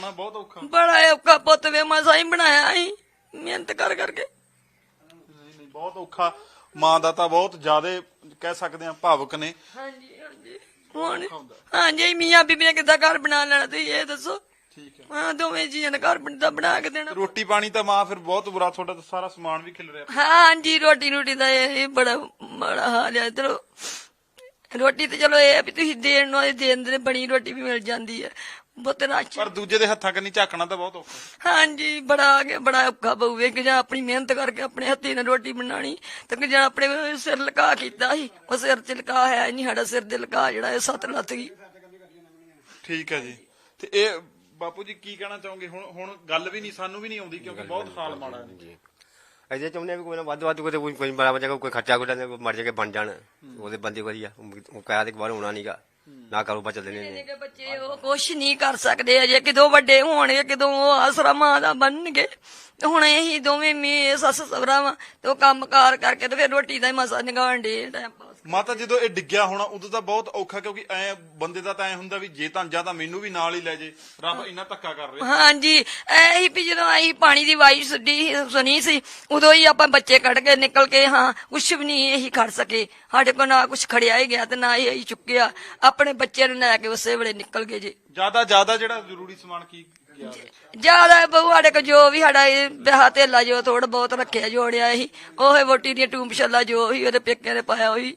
ਬਹੁਤ ਔਖਾ ਬੜਾ ਔਖਾ ਪੁੱਤ ਵੇ ਮਸਾਂ ਹੀ ਬਣਾਇਆ ਸੀ ਮਿਹਨਤ ਕਰ ਕਰਕੇ। ਨਹੀਂ ਬਹੁਤ ਔਖਾ। ਮਾਂ ਦਾ ਤਾਂ ਬਹੁਤ ਜ਼ਿਆਦਾ ਕਹਿ ਸਕਦੇ ਆ ਭਾਵੁਕ ਨੇ। ਹਾਂਜੀ ਹਾਂਜੀ ਹੁਣ ਹਾਂਜੀ ਮੀਆਂ ਬੀਬੀ ਨੇ ਕਿੱਦਾਂ ਘਰ ਬਣਾ ਲੈਣਾ ਤੁਸੀਂ ਇਹ ਦੱਸੋ। ਠੀਕ ਹੈ। ਹਾਂ ਦੋਵੇਂ ਜੀਆਂ ਨੇ ਘਰ ਬਣਾ ਕੇ ਦੇਣਾ। ਰੋਟੀ ਪਾਣੀ ਤਾਂ ਮਾਂ ਫਿਰ ਬਹੁਤ ਬੁਰਾ, ਤੁਹਾਡਾ ਤਾਂ ਸਾਰਾ ਸਮਾਨ ਵੀ ਖਿਲ ਰਿਹਾ। ਹਾਂਜੀ ਰੋਟੀ ਦਾ ਇਹ ਬੜਾ ਮਾੜਾ ਹਾਲ ਹੈ। ਚਲੋ ਰੋਟੀ ਤੇ ਚਲੋ ਇਹ ਵੀ ਤੁਸੀਂ ਦੇਣ ਨੂੰ ਦੇਣ ਦੇ ਬਣੀ ਰੋਟੀ ਵੀ ਮਿਲ ਜਾਂਦੀ ਹੈ ਬਹੁਤ ਰਾਸ਼। ਪਰ ਦੂਜੇ ਦੇ ਹੱਥਾਂ ਕੰਨੀ ਝਾਕਣਾ ਤਾਂ ਬਹੁਤ ਔਖਾ। ਹਾਂਜੀ ਬੜਾ ਔਖਾ ਪਊਵੇ ਕਿ ਜਾਂ ਆਪਣੀ ਮਿਹਨਤ ਕਰਕੇ ਆਪਣੇ ਹੱਥੀਂ ਨਾਲ ਰੋਟੀ ਬਣਾਣੀ ਤੇ ਜਾਂ ਆਪਣੇ ਸਿਰ ਲਕਾ ਕੀਤਾ ਸੀ ਉਹ ਸਿਰ ਚ ਲਕਾ ਹੈ ਨਹੀਂ। ਸਾਡਾ ਸਿਰ ਦੇ ਲਕਾ ਜਿਹੜਾ ਇਹ 7 ਲੱਥ ਗਈ। ਠੀਕ ਹੈ ਜੀ। ਤੇ ਇਹ ਬਾਪੂ ਜੀ ਕੀ ਕਹਿਣਾ ਚਾਹੋਗੇ? ਹੁਣ ਗੱਲ ਵੀ ਨਹੀਂ, ਸਾਨੂੰ ਵੀ ਨਹੀਂ ਆਉਂਦੀ ਕਿਉਂਕਿ ਬਹੁਤ ਹਾਲ ਮਾੜਾ ਹੈ। ਅਜੇ ਚਾਹੁੰਦੇ ਵੀ ਕੋਈ ਨਾ ਵੱਧ ਕੋਈ ਬੜਾ ਵਜਾ ਕੋਈ ਖਰਚਾ ਕੋਈ ਮਰ ਜਾ ਕੇ ਬਣ ਜਾਣ ਉਹਦੇ ਬੰਦੇ ਵਧੀਆ। ਉਹ ਕਹਿਆ ਤੇ ਬਾਹਰ ਹੋਣਾ ਨੀਗਾ ਨਾ ਕਾਰੋਬਾਰ ਚੱਲਦੇ ਨੇ। ਬੱਚੇ ਉਹ ਕੁਛ ਨਹੀਂ ਕਰ ਸਕਦੇ ਅਜੇ, ਕਿਦੋਂ ਵੱਡੇ ਹੋਣਗੇ, ਕਿਦੋਂ ਉਹ ਆਸਰਾ ਮਾਂ ਦਾ ਬਣਨਗੇ। ਹੁਣ ਇਹੀ ਦੋਵੇਂ ਮੀ ਸੱਸ ਸਹੁਰਾ ਵਾ ਤੇ ਉਹ ਕੰਮ ਕਾਰ ਕਰਕੇ ਤੇ ਫਿਰ ਰੋਟੀ ਦਾ ਹੀ ਮਸਾ ਨਿਗਾਣ ਡੇ ਟਾਈਮ ਪਾਸ। ਮਾਤਾ ਜਦੋਂ ਇਹ ਡਿੱਗਿਆ ਹੋਣਾ ਉਦੋਂ ਤਾਂ ਬਹੁਤ ਔਖਾ, ਕਿਉਂਕਿ ਐ ਬੰਦੇ ਦਾ ਤਾਂ ਐ ਹੁੰਦਾ ਵੀ ਜੇ ਤਾਂ ਜਾਂ ਤਾਂ ਮੈਨੂੰ ਵੀ ਨਾਲ ਹੀ ਲੈ ਜੇ। ਰੱਬ ਇੰਨਾ ਧੱਕਾ ਕਰ ਰਿਹਾ। ਹਾਂਜੀ ਇਹੀ ਵੀ ਜਦੋਂ ਅਸੀਂ ਪਾਣੀ ਦੀ ਵਾਈ ਸੁਣੀ ਸੀ ਉਦੋਂ ਹੀ ਆਪਾਂ ਬੱਚੇ ਕੱਢ ਕੇ ਨਿਕਲ ਕੇ ਹਾਂ ਕੁਛ ਵੀ ਨਹੀਂ ਇਹੀ ਖੜ ਸਕੇ। ਸਾਡੇ ਕੋਲ ਨਾ ਕੁਛ ਖੜਿਆ ਹੀ ਗਿਆ ਤੇ ਨਾ ਹੀ ਅਸੀਂ ਚੁੱਕਿਆ। ਆਪਣੇ ਬੱਚੇ ਨੂੰ ਲੈ ਕੇ ਉਸੇ ਵੇਲੇ ਨਿਕਲ ਗਏ ਜੀ। ਜਿਆਦਾ ਜਿਹੜਾ ਜ਼ਰੂਰੀ ਸਮਾਨ ਕੀ ਗਿਆ? ਜਿਆਦਾ ਬਹੂ ਸਾਡੇ ਕੋਲ ਜੋ ਵੀ ਸਾਡਾ ਵਿਆਹ ਧੇਲਾ ਜੋ ਥੋੜਾ ਬਹੁਤ ਰੱਖਿਆ ਜੋੜਿਆ ਸੀ ਉਹ ਵੋਟੀ ਦੀਆਂ ਟੂੰਬਸ਼ੱਲਾ ਜੋ ਵੀ ਉਹਦੇ ਪੇਕਿਆਂ ਨੇ ਪਾਇਆ ਉਹੀ।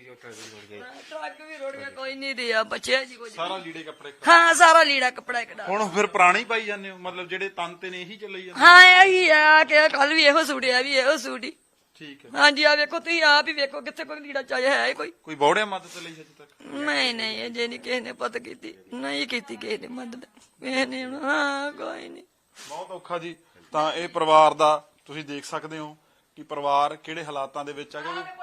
ਟਰੱਕ ਵੀ ਰੁੜ ਗਿਆ, ਕੋਈ ਨਹੀਂ ਰਿਹਾ ਬਚਿਆ ਜੀ ਕੁਝ। ਸਾਰਾ ਲੀੜੇ ਕੱਪੜੇ? ਹਾਂ ਸਾਰਾ ਲੀੜਾ ਕੱਪੜਾ ਇੱਕ ਡਾਲ। ਹੁਣ ਫਿਰ ਪੁਰਾਣੇ ਹੀ ਪਾਈ ਜਾਂਦੇ ਹੋ, ਮਤਲਬ ਜਿਹੜੇ ਤਨ ਤੇ ਨੇ ਇਹੀ ਚੱਲੀ ਜਾਂਦੇ? ਹਾਂ ਇਹੀ ਆ ਕਿ ਕੱਲ ਵੀ ਇਹੋ ਸੂੜਿਆ ਵੀ ਇਹੋ ਸੂੜੀ। ਠੀਕ ਹੈ। ਹਾਂਜੀ ਆ ਵੇਖੋ ਤੁਸੀਂ ਆਪ ਹੀ ਵੇਖੋ ਕਿੱਥੇ ਕੋਈ ਲੀੜਾ ਚਾਹਿਆ ਹੈ ਕੋਈ ਬੌੜਿਆ ਮਦਦ ਲਈ ਹਜੇ ਤੱਕ? ਨਹੀਂ ਅਜੇ ਨਹੀਂ ਕਿਸੇ ਨੇ ਪਤ ਕੀਤੀ, ਨਹੀਂ ਕੀਤੀ ਕਿਸੇ ਨੇ ਮਦਦ ਕਿਸੇ ਨੇ। ਹਾਂ ਕੋਈ ਨਹੀਂ। ਬਹੁਤ ਔਖਾ ਜੀ। ਤਾਂ ਇਹ ਪਰਿਵਾਰ ਦਾ ਤੁਸੀਂ ਦੇਖ ਸਕਦੇ ਹੋ ਕਿ ਪਰਿਵਾਰ ਕਿਹੜੇ ਹਾਲਾਤਾਂ ਦੇ ਵਿੱਚ ਆ।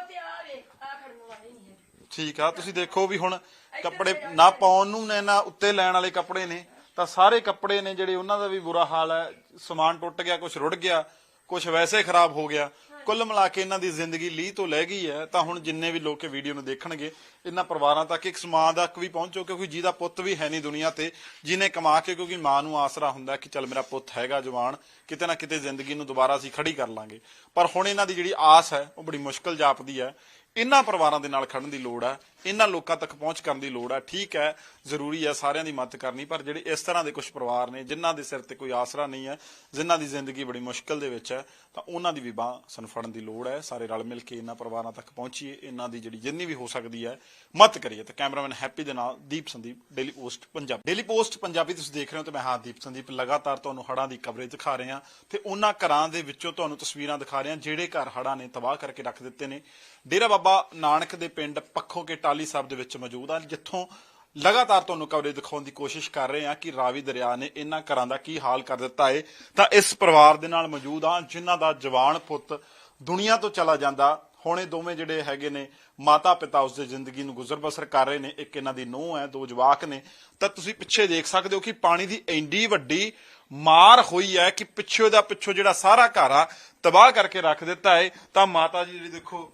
ਠੀਕ ਆ, ਤੁਸੀਂ ਦੇਖੋ ਵੀ ਹੁਣ ਕੱਪੜੇ ਨਾ ਪਾਉਣ ਨੂੰ ਨੇ ਨਾ ਉੱਤੇ ਲੈਣ ਵਾਲੇ ਕੱਪੜੇ ਨੇ, ਤਾਂ ਸਾਰੇ ਕੱਪੜੇ ਨੇ ਜਿਹੜੇ ਉਹਨਾਂ ਦਾ ਵੀ ਬੁਰਾ ਹਾਲ ਹੈ। ਸਮਾਨ ਟੁੱਟ ਗਿਆ, ਕੁਝ ਰੁੜ ਗਿਆ, ਕੁਝ ਵੈਸੇ ਖਰਾਬ ਹੋ ਗਿਆ। ਕੁੱਲ ਮਿਲਾ ਕੇ ਇਹਨਾਂ ਦੀ ਜ਼ਿੰਦਗੀ ਲੀਹ ਤੋਂ ਲੈ ਗਈ ਹੈ। ਤਾਂ ਹੁਣ ਜਿੰਨੇ ਵੀ ਲੋਕ ਵੀਡੀਓ ਨੂੰ ਦੇਖਣਗੇ ਇਹਨਾਂ ਪਰਿਵਾਰਾਂ ਤੱਕ ਇੱਕ ਸਮਾਂ ਤੱਕ ਵੀ ਪਹੁੰਚੋ, ਕਿਉਂਕਿ ਜਿਹਦਾ ਪੁੱਤ ਵੀ ਹੈ ਨਹੀਂ ਦੁਨੀਆ ਤੇ, ਜਿਹਨੇ ਕਮਾ ਕੇ, ਕਿਉਂਕਿ ਮਾਂ ਨੂੰ ਆਸਰਾ ਹੁੰਦਾ ਕਿ ਚੱਲ ਮੇਰਾ ਪੁੱਤ ਹੈਗਾ ਜਵਾਨ, ਕਿਤੇ ਨਾ ਕਿਤੇ ਜ਼ਿੰਦਗੀ ਨੂੰ ਦੁਬਾਰਾ ਅਸੀਂ ਖੜੀ ਕਰ ਲਾਂਗੇ। ਪਰ ਹੁਣ ਇਹਨਾਂ ਦੀ ਜਿਹੜੀ ਆਸ ਹੈ ਉਹ ਬੜੀ ਮੁਸ਼ਕਲ ਜਾਪਦੀ ਹੈ। ਇਹਨਾਂ ਪਰਿਵਾਰਾਂ ਦੇ ਨਾਲ ਖੜਨ ਦੀ ਲੋੜ ਹੈ, ਇਹਨਾਂ ਲੋਕਾਂ ਤੱਕ ਪਹੁੰਚ ਕਰਨ ਦੀ ਲੋੜ ਹੈ। ਠੀਕ ਹੈ, ਜ਼ਰੂਰੀ ਹੈ ਸਾਰਿਆਂ ਦੀ ਮਦਦ ਕਰਨੀ, ਪਰ ਜਿਹੜੇ ਇਸ ਤਰ੍ਹਾਂ ਦੇ ਕੁਝ ਪਰਿਵਾਰ ਨੇ ਜਿਨ੍ਹਾਂ ਦੇ ਸਿਰ ਤੇ ਕੋਈ ਆਸਰਾ ਨਹੀਂ ਹੈ, ਜਿਨ੍ਹਾਂ ਦੀ ਜ਼ਿੰਦਗੀ ਬੜੀ ਮੁਸ਼ਕਲ ਦੇ ਵਿੱਚ ਹੈ, ਤਾਂ ਉਹਨਾਂ ਦੀ ਵੀ ਬਾਂਹ ਸਾਨੂੰ ਫੜਨ ਦੀ ਲੋੜ ਹੈ। ਸਾਰੇ ਰਲ ਮਿਲ ਕੇ ਇਹਨਾਂ ਪਰਿਵਾਰਾਂ ਤੱਕ ਪਹੁੰਚੀਏ, ਇਹਨਾਂ ਦੀ ਜਿਹੜੀ ਜਿੰਨੀ ਵੀ ਹੋ ਸਕਦੀ ਹੈ ਮਦਦ ਕਰੀਏ। ਤੇ ਕੈਮਰਾਮੈਨ ਹੈਪੀ ਦੇ ਨਾਲ Deep Sandeep, Daily Post Punjabi. Daily Post Punjabi ਤੁਸੀਂ ਦੇਖ ਰਹੇ ਹੋ ਤੇ ਮੈਂ ਹਾਂ ਦੀਪ ਸੰਦੀਪ ਲਗਾਤਾਰ ਤੁਹਾਨੂੰ ਹੜ੍ਹਾਂ ਦੀ ਕਵਰੇਜ ਦਿਖਾ ਰਹੇ ਹਾਂ ਤੇ ਉਹਨਾਂ ਘਰਾਂ ਦੇ ਵਿੱਚੋਂ ਤੁਹਾਨੂੰ ਤਸਵੀਰਾਂ ਦਿਖਾ ਰਹੇ ਹਾਂ ਜਿਹੜੇ ਘਰ ਹੜ੍ਹਾਂ ਨੇ ਤਬਾਹ ਕਰਕੇ ਰੱਖ ਦਿੱਤੇ ਨੇ। ਡੇਰਾ ਬਾਬਾ ਨਾਨਕ ਦੇ ਪਿੰਡ ਪੱਖੋ ਕੇ ਟਾਹਲੀ ਸਾਹਿਬ ਦੇ ਵਿੱਚ ਮੌਜੂਦ ਆ, ਜਿੱਥੋਂ ਲਗਾਤਾਰ ਤੁਹਾਨੂੰ ਕਵਰੇਜ ਦਿਖਾਉਣ ਦੀ ਕੋਸ਼ਿਸ਼ ਕਰ ਰਹੇ ਹਾਂ ਕਿ ਰਾਵੀ ਦਰਿਆ ਨੇ ਇਹਨਾਂ ਘਰਾਂ ਦਾ ਕੀ ਹਾਲ ਕਰ ਦਿੱਤਾ ਹੈ। ਤਾਂ ਇਸ ਪਰਿਵਾਰ ਦੇ ਨਾਲ ਮੌਜੂਦ ਆ ਜਿਨ੍ਹਾਂ ਦਾ ਜਵਾਨ ਪੁੱਤ ਦੁਨੀਆ ਤੋਂ ਚਲਾ ਜਾਂਦਾ। ਹੁਣ ਇਹ ਦੋਵੇਂ ਜਿਹੜੇ ਹੈਗੇ ਨੇ ਮਾਤਾ ਪਿਤਾ ਉਸਦੇ ਜ਼ਿੰਦਗੀ ਨੂੰ ਗੁਜ਼ਰ ਬਸਰ ਕਰ ਰਹੇ ਨੇ। ਇੱਕ ਇਹਨਾਂ ਦੀ ਨੂੰਹ ਹੈ, 2 ਜਵਾਕ ਨੇ। ਤਾਂ ਤੁਸੀਂ ਪਿੱਛੇ ਦੇਖ ਸਕਦੇ ਹੋ ਕਿ ਪਾਣੀ ਦੀ ਇੰਨੀ ਵੱਡੀ ਮਾਰ ਹੋਈ ਹੈ ਕਿ ਪਿੱਛੋਂ ਜਿਹੜਾ ਸਾਰਾ ਘਰ ਆ ਤਬਾਹ ਕਰਕੇ ਰੱਖ ਦਿੱਤਾ ਹੈ। ਤਾਂ ਮਾਤਾ ਜੀ ਜਿਹੜੀ ਦੇਖੋ,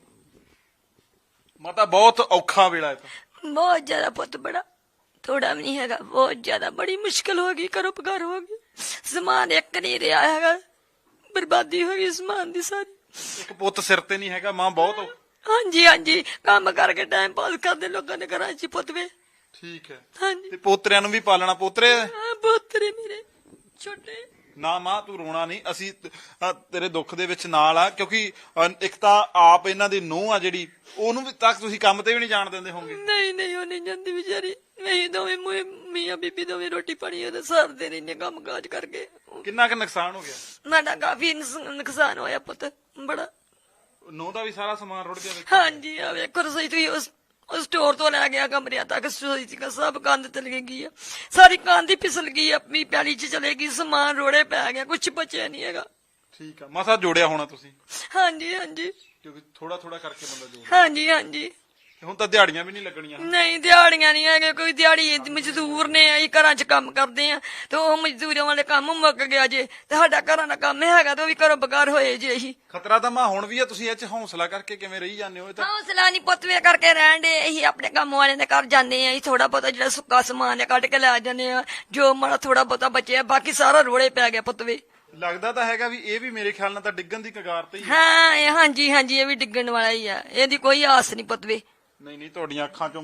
ਮਾਤਾ ਬਹੁਤ ਔਖਾ ਵੇਲਾ ਹੈ। ਤਾਂ ਬਹੁਤ ਜ਼ਿਆਦਾ ਪੁੱਤ ਬੜਾ ਥੋੜਾ ਵੀ ਨਹੀਂ ਹੈਗਾ, ਬਹੁਤ ਜ਼ਿਆਦਾ ਬੜੀ ਮੁਸ਼ਕਿਲ ਹੋ ਗਈ, ਘਰੋਂ ਪਕਾਰ ਹੋ ਗਈ, ਸਮਾਨ ਇੱਕ ਨਹੀਂ ਰਿਹਾ ਹੈਗਾ, ਬਰਬਾਦੀ ਹੋ ਗਈ ਸਮਾਨ ਦੀ ਸਾਰੀ। ਇੱਕ ਪੁੱਤ ਸਿਰ ਤੇ ਨਹੀਂ ਹੈਗਾ, ਮਾਂ ਬਹੁਤ ਹਾਂਜੀ ਕੰਮ ਕਰਕੇ ਟਾਈਮ ਪਾਸ ਕਰਦੇ ਲੋਕਾਂ ਦੇ ਘਰਾਂ ਚ ਪੁੱਤ ਵੇ। ਠੀਕ ਹੈ। ਹਾਂਜੀ ਤੇ ਪੋਤਰਿਆਂ ਨੂੰ ਵੀ ਪਾਲਣਾ? ਪੋਤਰੇ ਪੋਤਰੇ ਮੇਰੇ ਛੋਟੇ। ਨਾ ਮਾਂ ਤੂੰ ਰੋਣਾ ਨਹੀਂ, ਅਸੀਂ ਤੇਰੇ ਦੁੱਖ ਦੇ ਵਿੱਚ ਨਾਲ ਆ, ਕਿਉਂਕਿ ਇੱਕ ਤਾਂ ਆਪ ਇਹਨਾਂ ਦੀ ਨੂੰਹ ਆ ਜਿਹੜੀ, ਉਹਨੂੰ ਵੀ ਤੱਕ ਤੁਸੀਂ ਕੰਮ ਤੇ ਵੀ ਨਹੀਂ ਜਾਣ ਦਿੰਦੇ ਹੋਗੇ। ਨਹੀਂ ਉਹ ਨਹੀਂ ਜਾਂਦੀ ਵਿਚਾਰੀ। ਅਸੀਂ ਦੋਵੇਂ ਮੀਆਂ ਬੀਬੀ ਦੋਵੇਂ ਰੋਟੀ ਪਾਣੀ ਉਹਦੇ ਸਰਦੇ ਰਹਿੰਦੇ ਕੰਮ ਕਾਜ ਕਰਕੇ। ਕਿੰਨਾ ਕੁ ਨੁਕਸਾਨ ਹੋ ਗਿਆ? ਸਾਡਾ ਕਾਫੀ ਨੁਕਸਾਨ ਹੋਇਆ ਪੁੱਤ ਬੜਾ। ਨੂੰਹ ਦਾ ਵੀ ਸਾਰਾ ਸਮਾਨ ਰੁੜ ਗਿਆ? ਹਾਂਜੀ ਆ ਵੇਖੋ ਰਸੋਈ ਤੁਸੀਂ ਉਸ ਸਟੋਰ ਤੋਂ ਲੈ ਗਿਆ ਕਮਰਿਆਂ ਤੱਕ ਰਸੋਈ ਚ ਸਭ ਕੰਧ ਚਲੇ ਗਈ ਆ, ਸਾਰੀ ਕੰਧ ਹੀ ਫਿਸਲ ਗਈ, ਆਪਣੀ ਪੈਲੀ ਚ ਚਲੇ ਗਈ, ਸਮਾਨ ਰੋੜੇ ਪੈ ਗਿਆ, ਕੁਛ ਬਚਿਆ ਨਹੀਂ ਹੈਗਾ। ਠੀਕ ਆ, ਮਸਾ ਜੋੜਿਆ ਹੋਣਾ ਤੁਸੀਂ? ਹਾਂਜੀ ਕਿਉਂਕਿ ਥੋੜਾ ਕਰਕੇ ਬੰਦਾ ਜੋੜਦਾ। ਹਾਂਜੀ ਹੁਣ ਤਾਂ ਦਿਹਾੜੀਆਂ ਵੀ ਨਹੀਂ ਲੱਗਣੀਆਂ। ਨਹੀਂ ਦਿਹਾੜੀਆਂ ਨਹੀਂ ਹੈਗੇ, ਕੋਈ ਦਿਹਾੜੀ ਮਜ਼ਦੂਰ ਨੇ, ਅਸੀਂ ਘਰਾਂ 'ਚ ਕੰਮ ਕਰਦੇ ਆ ਤੇ ਉਹ ਮਜ਼ਦੂਰਾਂ ਵਾਲੇ ਕੰਮ ਮੁੱਕ ਗਿਆ ਜੇ ਤੇ ਸਾਡਾ ਘਰਾਂ ਦਾ ਕੰਮ ਹੈਗਾ ਤੇ ਉਹ ਵੀ ਘਰੋਂ ਬਗਾਰ ਹੋਏ ਜੇ। ਅਸੀਂ ਖਤਰਾ ਤਾਂ ਮਾਂ ਹੁਣ ਵੀ ਆ, ਤੁਸੀਂ ਇਹ ਚ ਹੌਸਲਾ ਕਰਕੇ ਕਿਵੇਂ ਰਹੀ ਜਾਂਦੇ ਹੋ? ਇਹ ਤਾਂ ਹੌਸਲਾ ਨਹੀਂ ਪੁੱਤਵੇ ਕਰਕੇ ਰਹਿਣ ਦੇ। ਅਸੀਂ ਆਪਣੇ ਕੰਮ ਵਾਲਿਆਂ ਦੇ ਘਰ ਜਾਂਦੇ ਆ, ਅਸੀਂ ਥੋੜਾ ਬਹੁਤਾ ਜਿਹੜਾ ਸੁੱਕਾ ਸਮਾਨ ਹੈ ਕੱਢ ਕੇ ਲੈ ਜਾਂਦੇ ਆ, ਜੋ ਮਾੜਾ ਥੋੜਾ ਬਹੁਤਾ ਬਚਿਆ, ਬਾਕੀ ਸਾਰਾ ਰੋਲੇ ਪੈ ਗਿਆ ਪੁੱਤਵੇ। ਲੱਗਦਾ ਤਾਂ ਹੈਗਾ ਵੀ ਇਹ ਵੀ ਮੇਰੇ ਖਿਆਲ ਨਾਲ ਤਾਂ ਡਿੱਗਣ ਦੀ ਕਗਾਰ ਤੇ ਹੀ ਹੈ। ਹਾਂ ਹਾਂਜੀ ਹਾਂਜੀ, ਇਹ ਵੀ ਡਿੱਗਣ ਵਾਲਾ ਹੀ ਆ, ਇਹਦੀ ਕੋਈ ਆਸ ਨਹੀਂ ਪੁੱਤਵੇ। ਨਹੀਂ ਤੁਹਾਡੀਆਂ ਅੱਖਾਂ ਚੋਂ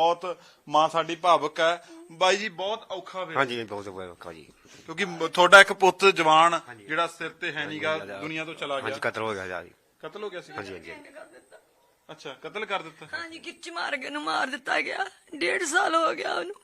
ਮਾਂ ਸਾਡੀ ਭਾਵੁਕ ਹੈ। ਬਾਈ ਜੀ ਬਹੁਤ ਔਖਾ ਵੇ। ਹਾਂਜੀ ਬਹੁਤ ਔਖਾ ਜੀ, ਕਿਉਂਕਿ ਤੁਹਾਡਾ ਇੱਕ ਪੁੱਤ ਜਵਾਨ ਜਿਹੜਾ ਸਿਰ ਤੇ ਹੈ ਨਹੀਂਗਾ, ਦੁਨੀਆ ਤੋਂ ਚਲਾ ਹਾਂਜੀ ਗਿਆ। ਕਤਲ ਹੋ ਗਿਆ ਜੀ। ਕਤਲ ਹੋ ਗਿਆ ਸੀ? ਹਾਂਜੀ ਹਾਂਜੀ ਅੱਛਾ, ਕਤਲ ਕਰ ਦਿੱਤਾ। ਹਾਂਜੀ, ਖਿੱਚ ਮਾਰ ਕੇ ਨੂੰ ਮਾਰ ਦਿੱਤਾ ਗਿਆ, 1.5 ਸਾਲ ਹੋ ਗਿਆ ਉਹਨੂੰ।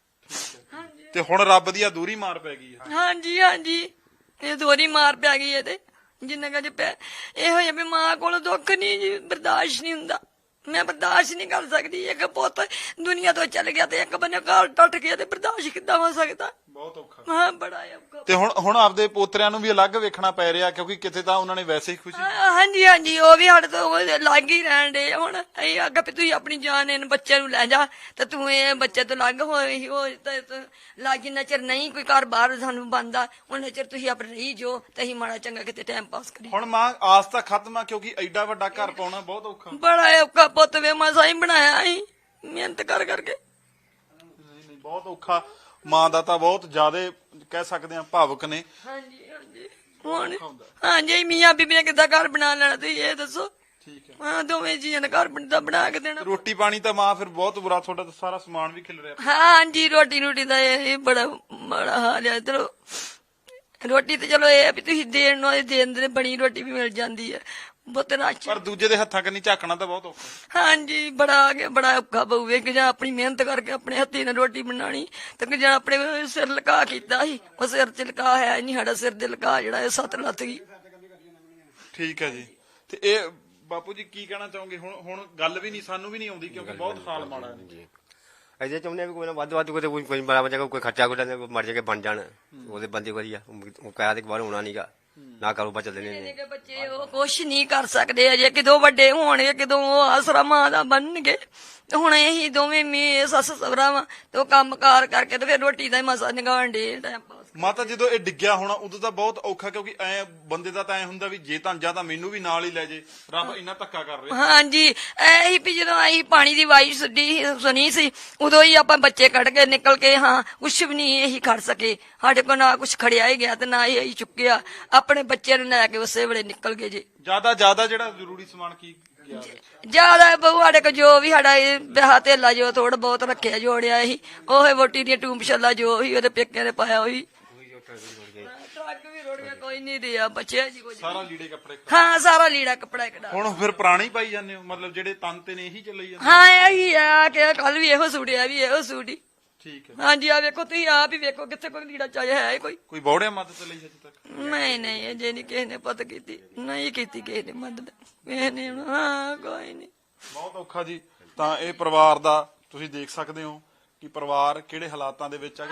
ਹਾਂਜੀ ਤੇ ਹੁਣ ਰੱਬ ਦੀ ਅਧੂਰੀ ਮਾਰ ਪੈ ਗਈ ਹੈ। ਹਾਂਜੀ ਹਾਂਜੀ, ਇਹ ਦੋਹਰੀ ਮਾਰ ਪੈ ਗਈ ਇਹਦੇ। ਜਿੰਨਾ ਕੁ ਇਹੋ ਜਿਹਾ ਵੀ ਮਾਂ ਕੋਲ ਦੁੱਖ ਨਹੀਂ ਜੀ, ਬਰਦਾਸ਼ਤ ਨਹੀਂ ਹੁੰਦਾ। ਮੈਂ ਬਰਦਾਸ਼ਤ ਨਹੀਂ ਕਰ ਸਕਦੀ। ਇੱਕ ਪੁੱਤ ਦੁਨੀਆ ਤੋਂ ਚਲ ਗਿਆ ਤੇ ਇੱਕ ਬੰਨੇ ਘਰ ਟੁੱਟ ਗਿਆ ਤੇ ਬਰਦਾਸ਼ਤ ਕਿੱਦਾਂ ਹੋ ਸਕਦਾ? ਬਹੁਤ ਔਖਾ। ਹਾਂ ਬੜਾ ਔਖਾ। ਤੇ ਹੁਣ ਆਪਦੇ ਪੋਤਰਿਆਂ ਨੂੰ ਵੀ ਅਲੱਗ ਵੇਖਣਾ ਪੈ ਰਿਹਾ, ਕਿਉਂਕਿ ਕਿਤੇ ਤਾਂ ਉਹਨਾਂ ਨੇ ਵੈਸੇ ਹੀ ਖੁਸ਼ੀ। ਹਾਂਜੀ ਹਾਂਜੀ, ਉਹ ਵੀ ਸਾਡੇ ਤੋਂ ਲੱਗ ਹੀ ਰਹਿਣ ਦੇ। ਹੁਣ ਅਸੀਂ ਆਖਿਆ ਵੀ ਤੁਸੀਂ ਆਪਣੀ ਜਾਨ ਇਹਨਾਂ ਬੱਚਿਆਂ ਨੂੰ ਲੈ ਜਾ ਤੇ ਤੂੰ ਇਹ ਬੱਚੇ ਤੋਂ ਲੱਗ ਹੋਏ ਹੋ ਲੱਗ। ਜਿੰਨਾ ਚਿਰ ਨਹੀਂ ਕੋਈ ਘਰ ਬਾਹਰ ਸਾਨੂੰ ਬਣਦਾ ਉਹਨਾਂ ਚਿਰ ਤੁਸੀਂ ਆਪਣੇ ਰਹੀ ਜੋ ਤੇ ਅਸੀਂ ਮਾੜਾ ਚੰਗਾ ਕਿਤੇ ਟਾਈਮ ਪਾਸ ਕਰੀ। ਹੁਣ ਮਾਂ ਆਸ ਤਾਂ ਖਤਮ ਆ, ਕਿਉਂਕਿ ਐਡਾ ਵੱਡਾ ਘਰ ਪਾਉਣਾ ਬਹੁਤ ਔਖਾ। ਬੜਾ ਔਖਾ ਪੁੱਤ ਵੇ, ਮਸਾਂ ਹੀ ਬਣਾਇਆ ਅਸੀਂ ਮਿਹਨਤ ਕਰ ਕਰਕੇ। ਨਹੀਂ ਬਹੁਤ ਔਖਾ। ਮਾਂ ਦਾ ਤਾਂ ਬਹੁਤ ਜ਼ਿਆਦਾ ਕਹਿ ਸਕਦੇ ਆ ਭਾਵੁਕ ਨੇ। ਹਾਂਜੀ ਹਾਂਜੀ, ਹੁਣ ਹਾਂਜੀ ਮੀਆਂ ਬੀਬੀ ਨੇ ਕਿੱਦਾਂ ਘਰ ਬਣਾ ਲੈਣਾ ਤੁਸੀਂ ਇਹ ਦੱਸੋ? ਠੀਕ ਹੈ। ਹਾਂ, ਦੋਵੇਂ ਜੀਆਂ ਨੇ ਘਰ ਬਣਾ ਕੇ ਦੇਣਾ। ਰੋਟੀ ਪਾਣੀ ਤਾਂ ਮਾਂ ਫਿਰ ਬਹੁਤ ਬੁਰਾ, ਤੁਹਾਡਾ ਤਾਂ ਸਾਰਾ ਸਮਾਨ ਵੀ ਖਿਲ ਰਿਹਾ। ਹਾਂਜੀ, ਰੋਟੀ ਦਾ ਇਹ ਬੜਾ ਮਾੜਾ ਹਾਲ ਹੈ। ਚਲੋ ਰੋਟੀ ਤੇ ਚਲੋ ਇਹ ਆ ਵੀ ਤੁਸੀਂ ਦੇਣ ਨੂੰ ਦੇਣ ਦੇ ਬਣੀ ਰੋਟੀ ਵੀ ਮਿਲ ਜਾਂਦੀ ਹੈ ਬਹੁਤ ਰਾਸ਼ੀ। ਪਰ ਦੂਜੇ ਦੇ ਹੱਥਾਂ ਕੰਨੀ ਝਾਕਣਾ ਤਾਂ ਬਹੁਤ ਔਖਾ। ਹਾਂਜੀ, ਬੜਾ ਔਖਾ ਪਊਵੇ ਕਿ ਜਾਂ ਆਪਣੀ ਮਿਹਨਤ ਕਰਕੇ ਆਪਣੇ ਹੱਥੀ ਨਾਲ ਰੋਟੀ ਬਣਾਣੀ ਤੇ ਕਿ ਜਾਂ ਆਪਣੇ ਸਿਰ ਲਕਾ ਕੀਤਾ ਸੀ, ਉਹ ਸਿਰ ਚ ਲਕਾ ਹੈ ਨਹੀਂ, ਸਾਡਾ ਸਿਰ ਦੇ ਲਕਾ ਜਿਹੜਾ ਇਹ 7 ਲੱਥ ਗਈ। ਠੀਕ ਹੈ ਜੀ। ਤੇ ਇਹ ਬਾਪੂ ਜੀ ਕੀ ਕਹਿਣਾ ਚਾਹੋਗੇ? ਹੁਣ ਗੱਲ ਵੀ ਨਹੀਂ, ਸਾਨੂੰ ਵੀ ਨਹੀਂ ਆਉਂਦੀ, ਕਿਉਂਕਿ ਬਹੁਤ ਹਾਲ ਮਾੜਾ ਹੈ। ਅਜੇ ਚਾਹੁੰਦੇ ਵੀ ਕੋਈ ਨਾ ਵੱਧ ਕਿਤੇ ਕੋਈ ਬੜਾ ਜਗ੍ਹਾ ਕੋਈ ਖਰਚਾ ਕੋਈ ਮਰ ਜਾ ਕੇ ਬਣ ਜਾਣ, ਉਹਦੇ ਬੰਦੇ ਵਧੀਆ। ਉਹ ਕਹਿਆ ਤੇ ਬਾਹਰ ਹੋਣਾ ਨਹੀਂਗਾ, ਨਾ ਕਾਰੋਬਾਰ ਚੱਲਣੇ ਨੇ। ਬੱਚੇ ਉਹ ਕੁਛ ਨਹੀਂ ਕਰ ਸਕਦੇ ਅਜੇ, ਕਿਦੋਂ ਵੱਡੇ ਹੋਣਗੇ, ਕਿਦੋਂ ਉਹ ਆਸਰਾ ਮਾਂ ਦਾ ਬਣਨਗੇ। ਤੇ ਹੁਣ ਇਹੀ ਦੋਵੇਂ ਸੱਸ ਸਹੁਰਾ ਵਾ ਤੇ ਉਹ ਕੰਮ ਕਾਰ ਕਰਕੇ ਤੇ ਫਿਰ ਰੋਟੀ ਦਾ ਹੀ ਮਸਾ ਨਿਗਾਣ ਦੇ ਟਾਈਮ ਪਾਸ। ਮਾਤਾ ਜਦੋਂ ਇਹ ਡਿੱਗਿਆ ਹੋਣਾ ਉਦੋਂ ਤਾਂ ਬਹੁਤ ਔਖਾ, ਕਿਉਂਕਿ ਐ ਬੰਦੇ ਦਾ ਤਾਂ ਐ ਹੁੰਦਾ ਵੀ ਜੇ ਤਾਂ ਜਾਂ ਤਾਂ ਮੈਨੂੰ ਵੀ ਨਾਲ ਹੀ ਲੈ ਜੇ। ਰੱਬ ਇੰਨਾ ਧੱਕਾ ਕਰ ਰਿਹਾ। ਹਾਂਜੀ, ਇਹੀ ਵੀ ਜਦੋਂ ਅਸੀਂ ਪਾਣੀ ਦੀ ਆਵਾਜ਼ ਸੁਣੀ ਸੀ ਉਦੋਂ ਹੀ ਆਪਾਂ ਬੱਚੇ ਕੱਢ ਕੇ ਨਿਕਲ ਕੇ, ਹਾਂ ਕੁਛ ਵੀ ਨਹੀਂ ਇਹੀ ਖੜ ਸਕੇ। ਸਾਡੇ ਕੋਲ ਨਾ ਕੁਛ ਖੜਿਆ ਹੀ ਗਿਆ ਤੇ ਨਾ ਹੀ ਅਸੀਂ ਚੁੱਕਿਆ। ਆਪਣੇ ਬੱਚਿਆਂ ਨੂੰ ਲੈ ਕੇ ਉਸੇ ਵੇਲੇ ਨਿਕਲ ਗਏ ਜੀ। ਜਿਆਦਾ ਜਿਹੜਾ ਜ਼ਰੂਰੀ ਸਮਾਨ ਕੀ ਗਿਆ? ਜਿਆਦਾ ਬਹੁ ਸਾਡੇ ਕੋਲ ਜੋ ਵੀ ਸਾਡਾ ਵਿਆਹ ਧੇਲਾ ਜੋ ਥੋੜਾ ਬਹੁਤ ਰੱਖਿਆ ਜੋੜਿਆ ਸੀ, ਉਹ ਵੋਟੀ ਦੀਆਂ ਟੂੰਬ ਛੱਲਾ ਜੋ ਸੀ ਉਹਦੇ ਪੇਕਿਆਂ ਨੇ ਪਾਇਆ ਹੋਈ। ਟਰੱਕ ਵੀ ਰੁੜ ਗਿਆ, ਕੋਈ ਨਹੀਂ ਰਿਹਾ ਬਚਿਆ ਜੀ ਕੁਝ। ਸਾਰਾ ਲੀੜੇ ਕੱਪੜੇ? ਹਾਂ, ਸਾਰਾ ਲੀੜਾ ਕੱਪੜਾ ਇੱਕ। ਹੁਣ ਫਿਰ ਪੁਰਾਣੀ ਪਾਈ ਜਾਂਦੇ ਹੋ, ਮਤਲਬ ਜਿਹੜੇ ਤਨ ਤੇ ਨੇ ਇਹੀ ਚੱਲੀ ਜਾਂਦੇ? ਹਾਂ ਇਹੀ ਆ ਕਿ ਕੱਲ ਵੀ ਇਹੋ ਸੂੜਿਆ ਵੀ ਇਹੋ ਸੂੜੀ। ਠੀਕ ਹੈ। ਹਾਂਜੀ, ਆ ਵੇਖੋ ਤੁਸੀਂ ਆਪ ਹੀ ਵੇਖੋ ਕਿੱਥੇ ਕੋਈ ਲੀੜਾ ਚਾਹਿਆ ਹੈ ਕੋਈ ਬੌੜਿਆ ਮਦਦ ਲਈ ਹਜੇ ਤੱਕ? ਨਹੀਂ ਅਜੇ ਨਹੀਂ ਕਿਸੇ ਨੇ ਪਤ ਕੀਤੀ, ਨਹੀਂ ਕੀਤੀ ਕਿਸੇ ਨੇ ਮਦਦ ਕਿਸੇ ਨੇ। ਹਾਂ ਕੋਈ ਨਹੀਂ। ਬਹੁਤ ਔਖਾ ਜੀ। ਤਾਂ ਇਹ ਪਰਿਵਾਰ ਦਾ ਤੁਸੀਂ ਦੇਖ ਸਕਦੇ ਹੋ ਕਿ ਪਰਿਵਾਰ ਕਿਹੜੇ ਹਾਲਾਤਾਂ ਦੇ ਵਿੱਚ ਆ।